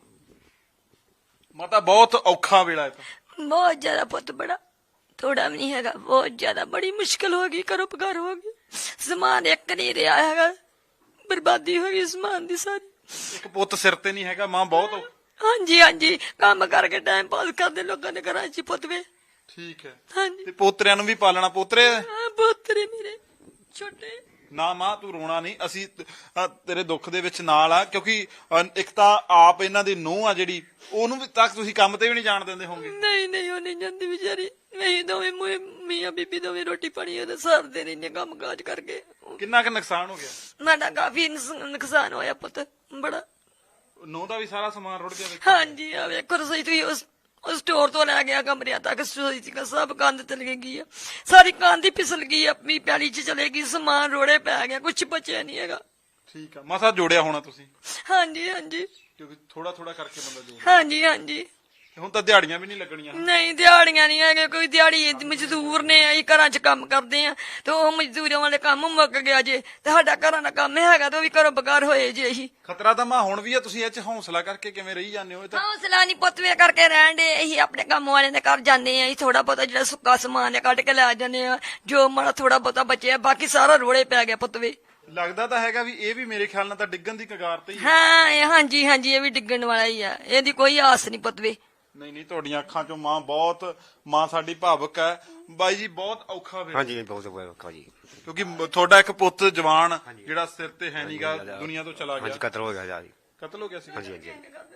ਮਾਤਾ ਬਹੁਤ ਔਖਾ ਵੇਲਾ ਹੈ। ਤਾਂ ਬਹੁਤ ਜ਼ਿਆਦਾ ਪੁੱਤ, ਬੜਾ ਥੋੜਾ ਵੀ ਨਹੀਂ ਹੈਗਾ, ਬਹੁਤ ਜ਼ਿਆਦਾ ਬੜੀ ਮੁਸ਼ਕਲ ਹੋ ਗਈ, ਘਰੋਂ ਪਕਾਰ ਹੋ ਗਈ, ਸਮਾਨ ਇੱਕ ਨਹੀਂ ਰਿਹਾ ਹੈਗਾ, ਬਰਬਾਦੀ ਹੋ ਗਈ ਸਮਾਨ ਦੀ ਸਾਰੀ। ਇੱਕ ਪੁੱਤ ਸਿਰ ਤੇ ਨਹੀਂ ਹੈਗਾ, ਮਾਂ ਬਹੁਤ ਹਾਂਜੀ ਹਾਂਜੀ, ਕੰਮ ਕਰਕੇ ਟਾਈਮ ਪਾਸ ਕਰਦੇ ਲੋਕਾਂ ਦੇ ਘਰਾਂ 'ਚ ਪੁੱਤ ਵੇ। ਠੀਕ ਹੈ। ਹਾਂਜੀ, ਤੇ ਪੋਤਰਿਆਂ ਨੂੰ ਵੀ ਪਾਲਣਾ, ਪੋਤਰੇ ਪੋਤਰੇ ਮੇਰੇ ਛੋਟੇ। ਨਾ ਮਾਂ ਤੂੰ ਰੋਣਾ ਨਹੀਂ, ਅਸੀਂ ਤੇਰੇ ਦੁੱਖ ਦੇ ਵਿੱਚ ਨਾਲ ਆ, ਕਿਉਂਕਿ ਇੱਕ ਤਾਂ ਆਪ ਇਹਨਾਂ ਦੀ ਨੂੰਹ ਆ ਜਿਹੜੀ, ਉਹਨੂੰ ਵੀ ਤੱਕ ਤੁਸੀਂ ਕੰਮ ਤੇ ਵੀ ਨਹੀਂ ਜਾਣ ਦਿੰਦੇ ਹੋਗੇ। ਨਹੀਂ ਨਹੀਂ, ਉਹ ਨਹੀਂ ਜਾਂਦੀ ਵਿਚਾਰੀ। ਅਸੀਂ ਦੋਵੇਂ ਮੀਆਂ ਬੀਬੀ ਦੋਵੇਂ ਰੋਟੀ ਪਾਣੀ ਉਹਦੇ ਸਰਦੇ ਰਹਿੰਦੇ ਕੰਮ ਕਾਜ ਕਰਕੇ। ਕਿੰਨਾ ਕੁ ਨੁਕਸਾਨ ਹੋ ਗਿਆ? ਸਾਡਾ ਕਾਫੀ ਨੁਕਸਾਨ ਹੋਇਆ ਪੁੱਤ, ਬੜਾ। ਨੂੰਹ ਦਾ ਵੀ ਸਾਰਾ ਸਮਾਨ ਰੁੜ ਗਿਆ? ਹਾਂਜੀ, ਆ ਵੇਖੋ ਰਸੋਈ ਤੁਸੀਂ ਉਸ ਸਟੋਰ ਤੋਂ ਲੈ ਗਿਆ ਕਮਰਿਆਂ ਤੱਕ, ਰਸੋਈ ਚ ਸਭ ਕੰਧ ਚਲੇ ਗਈ ਆ, ਸਾਰੀ ਕੰਧ ਹੀ ਫਿਸਲ ਗਈ, ਆਪਣੀ ਪੈਲੀ ਚ ਚਲੇ ਗਈ, ਸਮਾਨ ਰੋੜੇ ਪੈ ਗਿਆ, ਕੁਛ ਬਚਿਆ ਨਹੀਂ ਹੈਗਾ। ਠੀਕ ਆ, ਮਸਾ ਜੋੜਿਆ ਹੋਣਾ ਤੁਸੀਂ? ਹਾਂਜੀ ਹਾਂਜੀ, ਕਿਉਂਕਿ ਥੋੜਾ ਥੋੜਾ ਕਰਕੇ ਬੰਦਾ ਜੋੜਦਾ। ਹਾਂਜੀ ਹਾਂਜੀ। ਹੁਣ ਤਾਂ ਦਿਹਾੜੀਆਂ ਵੀ ਨਹੀਂ ਲੱਗਣੀਆਂ? ਨਹੀਂ, ਦਿਹਾੜੀਆਂ ਨਹੀਂ ਹੈਗੇ, ਕੋਈ ਦਿਹਾੜੀ ਮਜ਼ਦੂਰ ਨੇ, ਅਸੀਂ ਘਰਾਂ 'ਚ ਕੰਮ ਕਰਦੇ ਆ ਤੇ ਉਹ ਮਜ਼ਦੂਰਾਂ ਵਾਲੇ ਕੰਮ ਮੁੱਕ ਗਿਆ ਜੇ, ਤੇ ਸਾਡਾ ਘਰਾਂ ਦਾ ਕੰਮ ਹੈਗਾ ਤੇ ਉਹ ਵੀ ਘਰੋਂ ਬਗਾਰ ਹੋਏ ਜੇ। ਅਸੀਂ ਖਤਰਾ ਤਾਂ ਮਾਂ ਹੁਣ ਵੀ ਆ, ਤੁਸੀਂ ਇਹ ਚ ਹੌਸਲਾ ਕਰਕੇ ਕਿਵੇਂ ਰਹੀ ਜਾਂਦੇ ਹੋ? ਇਹ ਤਾਂ ਹੌਸਲਾ ਨਹੀਂ ਪੁੱਤਵੇ ਕਰਕੇ ਰਹਿਣ ਦੇ। ਅਸੀਂ ਆਪਣੇ ਕੰਮ ਵਾਲਿਆਂ ਦੇ ਘਰ ਜਾਂਦੇ ਆ, ਅਸੀਂ ਥੋੜਾ ਬਹੁਤਾ ਜਿਹੜਾ ਸੁੱਕਾ ਸਮਾਨ ਹੈ ਕੱਢ ਕੇ ਲੈ ਜਾਂਦੇ ਆ, ਜੋ ਮਾੜਾ ਥੋੜਾ ਬਹੁਤਾ ਬਚਿਆ, ਬਾਕੀ ਸਾਰਾ ਰੋੜੇ ਪੈ ਗਿਆ ਪੁੱਤਵੇ। ਲੱਗਦਾ ਤਾਂ ਹੈਗਾ ਵੀ ਇਹ ਵੀ ਮੇਰੇ ਖਿਆਲ ਨਾਲ ਤਾਂ ਡਿੱਗਣ ਦੀ ਕਗਾਰ ਤੇ ਹੀ ਹੈ। ਹਾਂ ਹਾਂਜੀ ਹਾਂਜੀ, ਇਹ ਵੀ ਡਿੱਗਣ ਵਾਲਾ ਹੀ ਆ, ਇਹਦੀ ਕੋਈ ਆਸ ਨਹੀਂ ਪੁੱਤਵੇ। ਨਹੀਂ ਨਹੀਂ, ਤੁਹਾਡੀਆਂ ਅੱਖਾਂ ਚੋਂ ਮਾਂ ਸਾਡੀ ਭਾਵੁਕ ਹੈ। ਬਾਈ ਜੀ ਬਹੁਤ ਔਖਾ ਵੇ। ਹਾਂਜੀ, ਬਹੁਤ ਔਖਾ ਜੀ, ਕਿਉਂਕਿ ਤੁਹਾਡਾ ਇੱਕ ਪੁੱਤ ਜਵਾਨ ਜਿਹੜਾ ਸਿਰ ਤੇ ਹੈ ਨਹੀਂਗਾ, ਦੁਨੀਆ ਤੋਂ ਚਲਾ ਗਿਆ। ਹਾਂਜੀ, ਕਤਲ ਹੋ ਗਿਆ ਜੀ। ਕਤਲ ਹੋ ਗਿਆ ਸੀ? ਹਾਂਜੀ ਹਾਂਜੀ।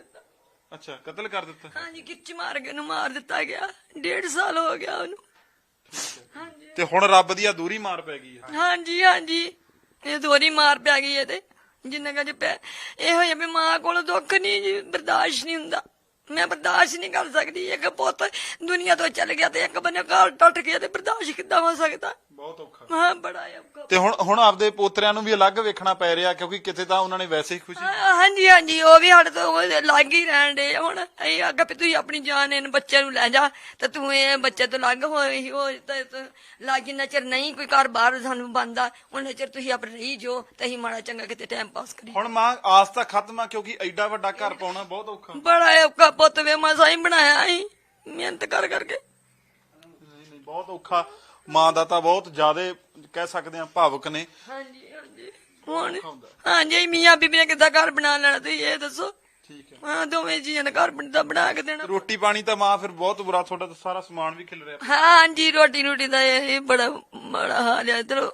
ਅੱਛਾ, ਕਤਲ ਕਰ ਦਿੱਤਾ? ਹਾਂਜੀ, ਖਿੱਚ ਮਾਰ ਕੇ ਨੂੰ ਮਾਰ ਦਿੱਤਾ ਗਿਆ, 1.5 ਸਾਲ ਹੋ ਗਿਆ ਉਹਨੂੰ। ਹਾਂਜੀ, ਤੇ ਹੁਣ ਰੱਬ ਦੀ ਅਧੂਰੀ ਮਾਰ ਪੈ ਗਈ ਹੈ। ਹਾਂਜੀ ਹਾਂਜੀ, ਇਹ ਦੋਹਰੀ ਮਾਰ ਪੈ ਗਈ ਹੈ। ਤੇ ਜਿੰਨਾ ਕੁ ਇਹੋ ਜਿਹਾ ਵੀ ਮਾਂ ਕੋਲ ਦੁੱਖ ਨਹੀਂ ਜੀ, ਬਰਦਾਸ਼ਤ ਨਹੀਂ ਹੁੰਦਾ, ਮੈਂ ਬਰਦਾਸ਼ਤ ਨਹੀਂ ਕਰ ਸਕਦੀ। ਇੱਕ ਪੁੱਤ ਦੁਨੀਆ ਤੋਂ ਚੱਲ ਗਿਆ ਤੇ ਇੱਕ ਬੰਨੇ ਘਰ ਟੁੱਟ ਗਿਆ, ਤੇ ਬਰਦਾਸ਼ਤ ਕਿੱਦਾਂ ਹੋ ਸਕਦਾ? ਬਹੁਤ ਔਖਾ। ਹਾਂ, ਬੜਾ ਔਖਾ। ਤੇ ਹੁਣ ਆਪਦੇ ਪੋਤਰਿਆਂ ਨੂੰ ਵੀ ਅਲੱਗ ਵੇਖਣਾ ਪੈ ਰਿਹਾ, ਕਿਉਂਕਿ ਕਿਤੇ ਤਾਂ ਉਹਨਾਂ ਨੇ ਵੈਸੇ ਹੀ ਖੁਸ਼ੀ। ਹਾਂਜੀ ਹਾਂਜੀ, ਉਹ ਵੀ ਸਾਡੇ ਤੋਂ ਲੱਗ ਹੀ ਰਹਿਣ ਦੇ। ਹੁਣ ਅਸੀਂ ਆਖਿਆ ਵੀ ਤੁਸੀਂ ਆਪਣੀ ਜਾਨ ਇਹਨਾਂ ਬੱਚੇ ਨੂੰ ਲੈ ਜਾ, ਤੇ ਤੂੰ ਇਹ ਬੱਚੇ ਤੋਂ ਲੱਗ ਹੋਈ ਹੋ ਲੱਗ, ਜਿੰਨਾ ਚਿਰ ਨਹੀਂ ਕੋਈ ਘਰ ਬਾਹਰ ਸਾਨੂੰ ਬਣਦਾ ਉਹਨਾਂ ਚਿਰ ਤੁਸੀਂ ਆਪਣੇ ਰਹੀ ਜੋ, ਤੇ ਅਸੀਂ ਮਾੜਾ ਚੰਗਾ ਕਿਤੇ ਟਾਈਮ ਪਾਸ ਕਰੀ। ਹੁਣ ਮਾਂ ਆਸ ਤਾਂ ਖਤਮ ਆ, ਕਿਉਂਕਿ ਐਡਾ ਵੱਡਾ ਘਰ ਪਾਉਣਾ ਬਹੁਤ ਔਖਾ। ਬੜਾ ਔਖਾ ਪੁੱਤ ਵੇ, ਮਸਾਂ ਹੀ ਬਣਾਇਆ ਅਸੀਂ ਮਿਹਨਤ ਕਰ ਕਰਕੇ। ਨਹੀਂ, ਬਹੁਤ ਔਖਾ। ਮਾਂ ਦਾ ਤਾਂ ਬਹੁਤ ਜ਼ਿਆਦਾ ਕਹਿ ਸਕਦੇ ਆ ਭਾਵੁਕ ਨੇ। ਹਾਂਜੀ ਹਾਂਜੀ, ਹੁਣ ਹਾਂਜੀ ਮੀਆਂ ਬੀਬੀ ਨੇ ਕਿੱਦਾਂ ਘਰ ਬਣਾ ਲੈਣਾ ਤੁਸੀਂ ਇਹ ਦੱਸੋ? ਠੀਕ ਹੈ। ਹਾਂ, ਦੋਵੇਂ ਜੀਆਂ ਨੇ ਘਰ ਬਣਾ ਕੇ ਦੇਣਾ। ਰੋਟੀ ਪਾਣੀ ਤਾਂ ਮਾਂ ਫਿਰ ਬਹੁਤ ਬੁਰਾ, ਤੁਹਾਡਾ ਤਾਂ ਸਾਰਾ ਸਮਾਨ ਵੀ ਖਿਲ ਰਿਹਾ। ਹਾਂਜੀ, ਰੋਟੀ ਦਾ ਇਹ ਬੜਾ ਮਾੜਾ ਹਾਲ ਹੈ। ਚਲੋ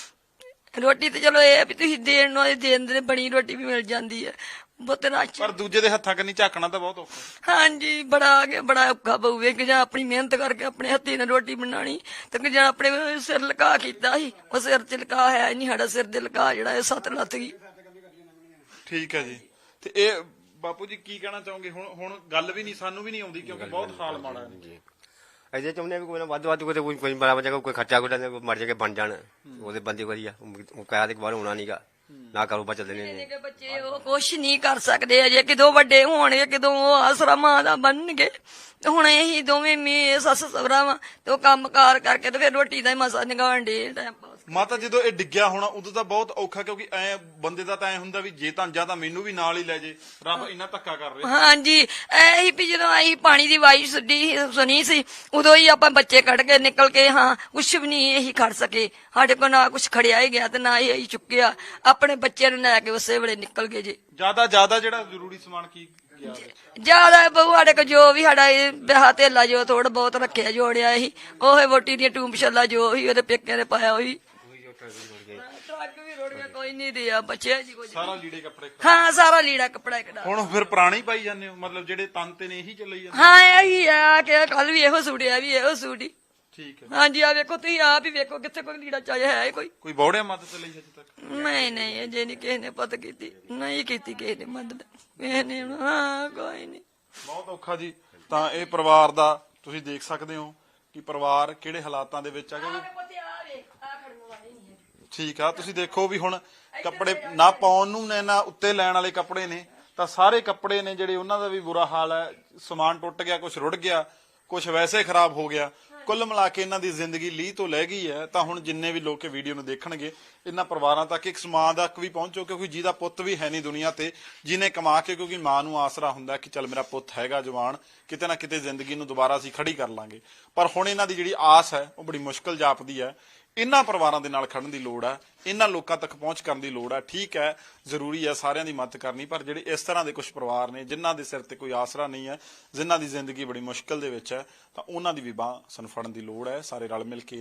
ਰੋਟੀ ਤੇ ਚਲੋ ਇਹ ਵੀ ਤੁਸੀਂ ਦੇਣ ਨੂੰ ਦੇਣ ਦੇ, ਬਣੀ ਰੋਟੀ ਵੀ ਮਿਲ ਜਾਂਦੀ ਹੈ ਬਹੁਤ ਰਾਸ਼ੀ, ਪਰ ਦੂਜੇ ਦੇ ਹੱਥਾਂ ਕੰਨੀ ਝਾਕਣਾ ਤਾਂ ਬਹੁਤ ਔਖਾ। ਹਾਂਜੀ, ਬੜਾ ਔਖਾ ਪਊਗਾ ਕਿ ਜਾਂ ਆਪਣੀ ਮਿਹਨਤ ਕਰਕੇ ਆਪਣੇ ਹੱਥੀਂ ਨਾਲ ਰੋਟੀ ਬਣਾਣੀ, ਤੇ ਜਾਂ ਆਪਣੇ ਸਿਰ ਲਕਾ ਕੀਤਾ ਸੀ, ਉਹ ਸਿਰ ਚ ਲਕਾ ਹੈ ਨਹੀਂ, ਸਾਡਾ ਸਿਰ ਦੇ ਲਕਾ ਜਿਹੜਾ ਇਹ 7 ਲੱਥ ਗਈ। ਠੀਕ ਹੈ ਜੀ। ਤੇ ਇਹ ਬਾਪੂ ਜੀ ਕੀ ਕਹਿਣਾ ਚਾਹੋਗੇ? ਹੁਣ ਗੱਲ ਵੀ ਨਹੀਂ, ਸਾਨੂੰ ਵੀ ਨਹੀਂ ਆਉਂਦੀ, ਕਿਉਂਕਿ ਬਹੁਤ ਹਾਲ ਮਾੜਾ ਹੈ। ਅਜੇ ਚਾਹੁੰਦੇ ਵੀ ਕੋਈ ਨਾ ਵੱਧ ਕੋਈ ਬੜਾ ਬੱਚਾ ਕੋਈ ਖਰਚਾ ਕੋਈ ਮਰ ਜਾ ਕੇ ਬਣ ਜਾਣ, ਉਹਦੇ ਬੰਦੇ ਵਧੀਆ। ਉਹ ਕਹਿਆ ਤੇ ਬਾਹਰ ਹੋਣਾ ਨਹੀਂਗਾ, ਨਾ ਕਾਰੋਬਾਰ ਚੱਲਦੇ ਨੇ ਬੱਚੇ, ਉਹ ਕੁਛ ਨਹੀਂ ਕਰ ਸਕਦੇ ਅਜੇ, ਕਿਦੋਂ ਵੱਡੇ ਹੋਣਗੇ, ਕਿਦੋਂ ਉਹ ਆਸਰਾ ਮਾਂ ਦਾ ਬਣਨਗੇ। ਤੇ ਹੁਣ ਇਹੀ ਦੋਵੇਂ ਸੱਸ ਸਹੁਰਾ ਵਾ, ਤੇ ਉਹ ਕੰਮ ਕਾਰ ਕਰਕੇ ਤੇ ਫਿਰ ਰੋਟੀ ਦਾ ਹੀ ਮਸਾ ਨਿਗਾਣ ਡੇ ਟਾਈਮ ਪਾਸ। ਮਾਤਾ ਜਦੋਂ ਇਹ ਡਿੱਗਿਆ ਹੋਣਾ ਉਦੋਂ ਤਾਂ ਬਹੁਤ ਔਖਾ, ਕਿਉਂਕਿ ਐ ਬੰਦੇ ਦਾ ਤਾਂ ਐ ਹੁੰਦਾ ਵੀ ਜੇ ਤਾਂ ਜਾਂ ਤਾਂ ਮੈਨੂੰ ਵੀ ਨਾਲ ਹੀ ਲੈ ਜੇ, ਰੱਬ ਇੰਨਾ ਧੱਕਾ ਕਰ ਰਿਹਾ। ਹਾਂਜੀ ਇਹੀ ਵੀ ਜਦੋਂ ਅਸੀਂ ਪਾਣੀ ਦੀ ਆਵਾਜ਼ ਸੁਣੀ ਸੀ ਉਦੋਂ ਹੀ ਆਪਾਂ ਬੱਚੇ ਕੱਢ ਕੇ ਨਿਕਲ ਕੇ ਹਾਂ ਕੁਛ ਵੀ ਨਹੀਂ ਇਹੀ ਖੜ ਸਕੇ, ਸਾਡੇ ਕੋਲ ਨਾ ਕੁਛ ਖੜਿਆ ਹੀ ਗਿਆ ਤੇ ਨਾ ਹੀ ਅਸੀਂ ਚੁੱਕਿਆ, ਆਪਣੇ ਬੱਚੇ ਨੂੰ ਲੈ ਕੇ ਉਸੇ ਵੇਲੇ ਨਿਕਲ ਗਏ ਜੀ। ਜਿਆਦਾ ਜਿਹੜਾ ਜ਼ਰੂਰੀ ਸਮਾਨ ਕੀ ਗਿਆ ਵਿੱਚ? ਜਿਆਦਾ ਬਹੁ ਸਾਡੇ ਕੋਲ ਜੋ ਵੀ ਸਾਡਾ ਵਿਆਹ ਧੇਲਾ ਜੋ ਥੋੜਾ ਬਹੁਤ ਰੱਖਿਆ ਜੋੜਿਆ ਸੀ, ਉਹ ਵੋਟੀ ਦੀਆਂ ਟੂੰਬ ਛੱਲਾ ਜੋ ਸੀ ਉਹਦੇ ਪੇਕਿਆਂ ਦੇ ਪਾਇਆ ਹੋਈ, ਟਰੱਕ ਵੀ ਰੋੜ ਗਿਆ, ਕੋਈ ਨਹੀਂ ਰਿਹਾ ਬਚਿਆ ਜੀ ਕੁਝ। ਸਾਰਾ ਲੀੜੇ ਕੱਪੜੇ ਹਾਂ ਸਾਰਾ ਲੀੜਾ ਕੱਪੜਾ ਇੱਕ ਹੁਣ ਫਿਰ ਪੁਰਾਣੇ ਹੀ ਪਾਈ ਜਾਂਦੇ ਹੋ, ਮਤਲਬ ਜਿਹੜੇ ਤਨ ਤੇ ਨੇ ਇਹੀ ਚੱਲੀ ਜਾਂਦੇ? ਹਾਂ ਇਹੀ ਆ ਕਿ ਕੱਲ ਵੀ ਇਹੋ ਸੂੜਿਆ ਵੀ ਇਹੋ ਸੂੜੀ। ਠੀਕ ਹੈ। ਹਾਂਜੀ ਆ ਵੇਖੋ ਤੁਸੀਂ ਆਪ ਹੀ ਵੇਖੋ ਕਿੱਥੇ ਕੋਈ ਲੀੜਾ ਚਾਹਿਆ ਹੈ ਕੋਈ ਬੌੜਿਆ ਮਦਦ ਲਈ ਹਜੇ ਤੱਕ? ਨਹੀਂ ਅਜੇ ਨਹੀਂ ਕਿਸੇ ਨੇ ਪਤ ਕੀਤੀ, ਨਹੀਂ ਕੀਤੀ ਕਿਸੇ ਨੇ ਮਦਦ, ਕਿਸੇ ਨੇ ਹਾਂ ਕੋਈ ਨਹੀਂ। ਬਹੁਤ ਔਖਾ ਜੀ। ਤਾਂ ਇਹ ਪਰਿਵਾਰ ਦਾ ਤੁਸੀਂ ਦੇਖ ਸਕਦੇ ਹੋ ਕਿ ਪਰਿਵਾਰ ਕਿਹੜੇ ਹਾਲਾਤਾਂ ਦੇ ਵਿੱਚ ਆ। ਠੀਕ ਆ, ਤੁਸੀਂ ਦੇਖੋ ਵੀ ਹੁਣ ਕੱਪੜੇ ਨਾ ਪਾਉਣ ਨੂੰ ਨੇ ਨਾ ਉੱਤੇ ਲੈਣ ਵਾਲੇ ਕੱਪੜੇ ਨੇ, ਤਾਂ ਸਾਰੇ ਕੱਪੜੇ ਨੇ ਜਿਹੜੇ ਉਹਨਾਂ ਦਾ ਵੀ ਬੁਰਾ ਹਾਲ ਹੈ। ਸਮਾਨ ਟੁੱਟ ਗਿਆ, ਕੁਝ ਰੁੜ ਗਿਆ, ਕੁਝ ਵੈਸੇ ਖਰਾਬ ਹੋ ਗਿਆ। ਕੁੱਲ ਮਿਲਾ ਕੇ ਇਹਨਾਂ ਦੀ ਜ਼ਿੰਦਗੀ ਲੀਹ ਤੋਂ ਲੈ ਗਈ ਹੈ। ਤਾਂ ਹੁਣ ਜਿੰਨੇ ਵੀ ਲੋਕ ਇਹ ਵੀਡੀਓ ਨੂੰ ਦੇਖਣਗੇ ਇਹਨਾਂ ਪਰਿਵਾਰਾਂ ਤੱਕ ਇੱਕ ਸਮਾਂ ਤੱਕ ਵੀ ਪਹੁੰਚੋ, ਕਿਉਂਕਿ ਜਿਹਦਾ ਪੁੱਤ ਵੀ ਹੈ ਨਹੀਂ ਦੁਨੀਆ ਤੇ, ਜਿਹਨੇ ਕਮਾ ਕੇ, ਕਿਉਂਕਿ ਮਾਂ ਨੂੰ ਆਸਰਾ ਹੁੰਦਾ ਕਿ ਚੱਲ ਮੇਰਾ ਪੁੱਤ ਹੈਗਾ ਜਵਾਨ, ਕਿਤੇ ਨਾ ਕਿਤੇ ਜ਼ਿੰਦਗੀ ਨੂੰ ਦੁਬਾਰਾ ਅਸੀਂ ਖੜੀ ਕਰ ਲਾਂਗੇ। ਪਰ ਹੁਣ ਇਹਨਾਂ ਦੀ ਜਿਹੜੀ ਆਸ ਹੈ ਉਹ ਬੜੀ ਮੁਸ਼ਕਲ ਜਾਪਦੀ ਹੈ। ਇਹਨਾਂ ਪਰਿਵਾਰਾਂ ਦੇ ਨਾਲ ਖੜਨ ਦੀ ਲੋੜ ਹੈ, ਇਹਨਾਂ ਲੋਕਾਂ ਤੱਕ ਪਹੁੰਚ ਕਰਨ ਦੀ ਲੋੜ ਹੈ। ਠੀਕ ਹੈ, ਜ਼ਰੂਰੀ ਹੈ ਸਾਰਿਆਂ ਦੀ ਮਦਦ ਕਰਨੀ, ਪਰ ਜਿਹੜੇ ਇਸ ਤਰ੍ਹਾਂ ਦੇ ਕੁਝ ਪਰਿਵਾਰ ਨੇ ਜਿਨ੍ਹਾਂ ਦੇ ਸਿਰ ਤੇ ਕੋਈ ਆਸਰਾ ਨਹੀਂ ਹੈ, ਜਿਨ੍ਹਾਂ ਦੀ ਜ਼ਿੰਦਗੀ ਬੜੀ ਮੁਸ਼ਕਲ ਦੇ ਵਿੱਚ ਹੈ, ਤਾਂ ਉਹਨਾਂ ਦੀ ਵੀ ਬਾਂਹ ਸਾਨੂੰ ਫੜਨ ਦੀ ਲੋੜ ਹੈ। ਸਾਰੇ ਰਲ ਮਿਲ ਕੇ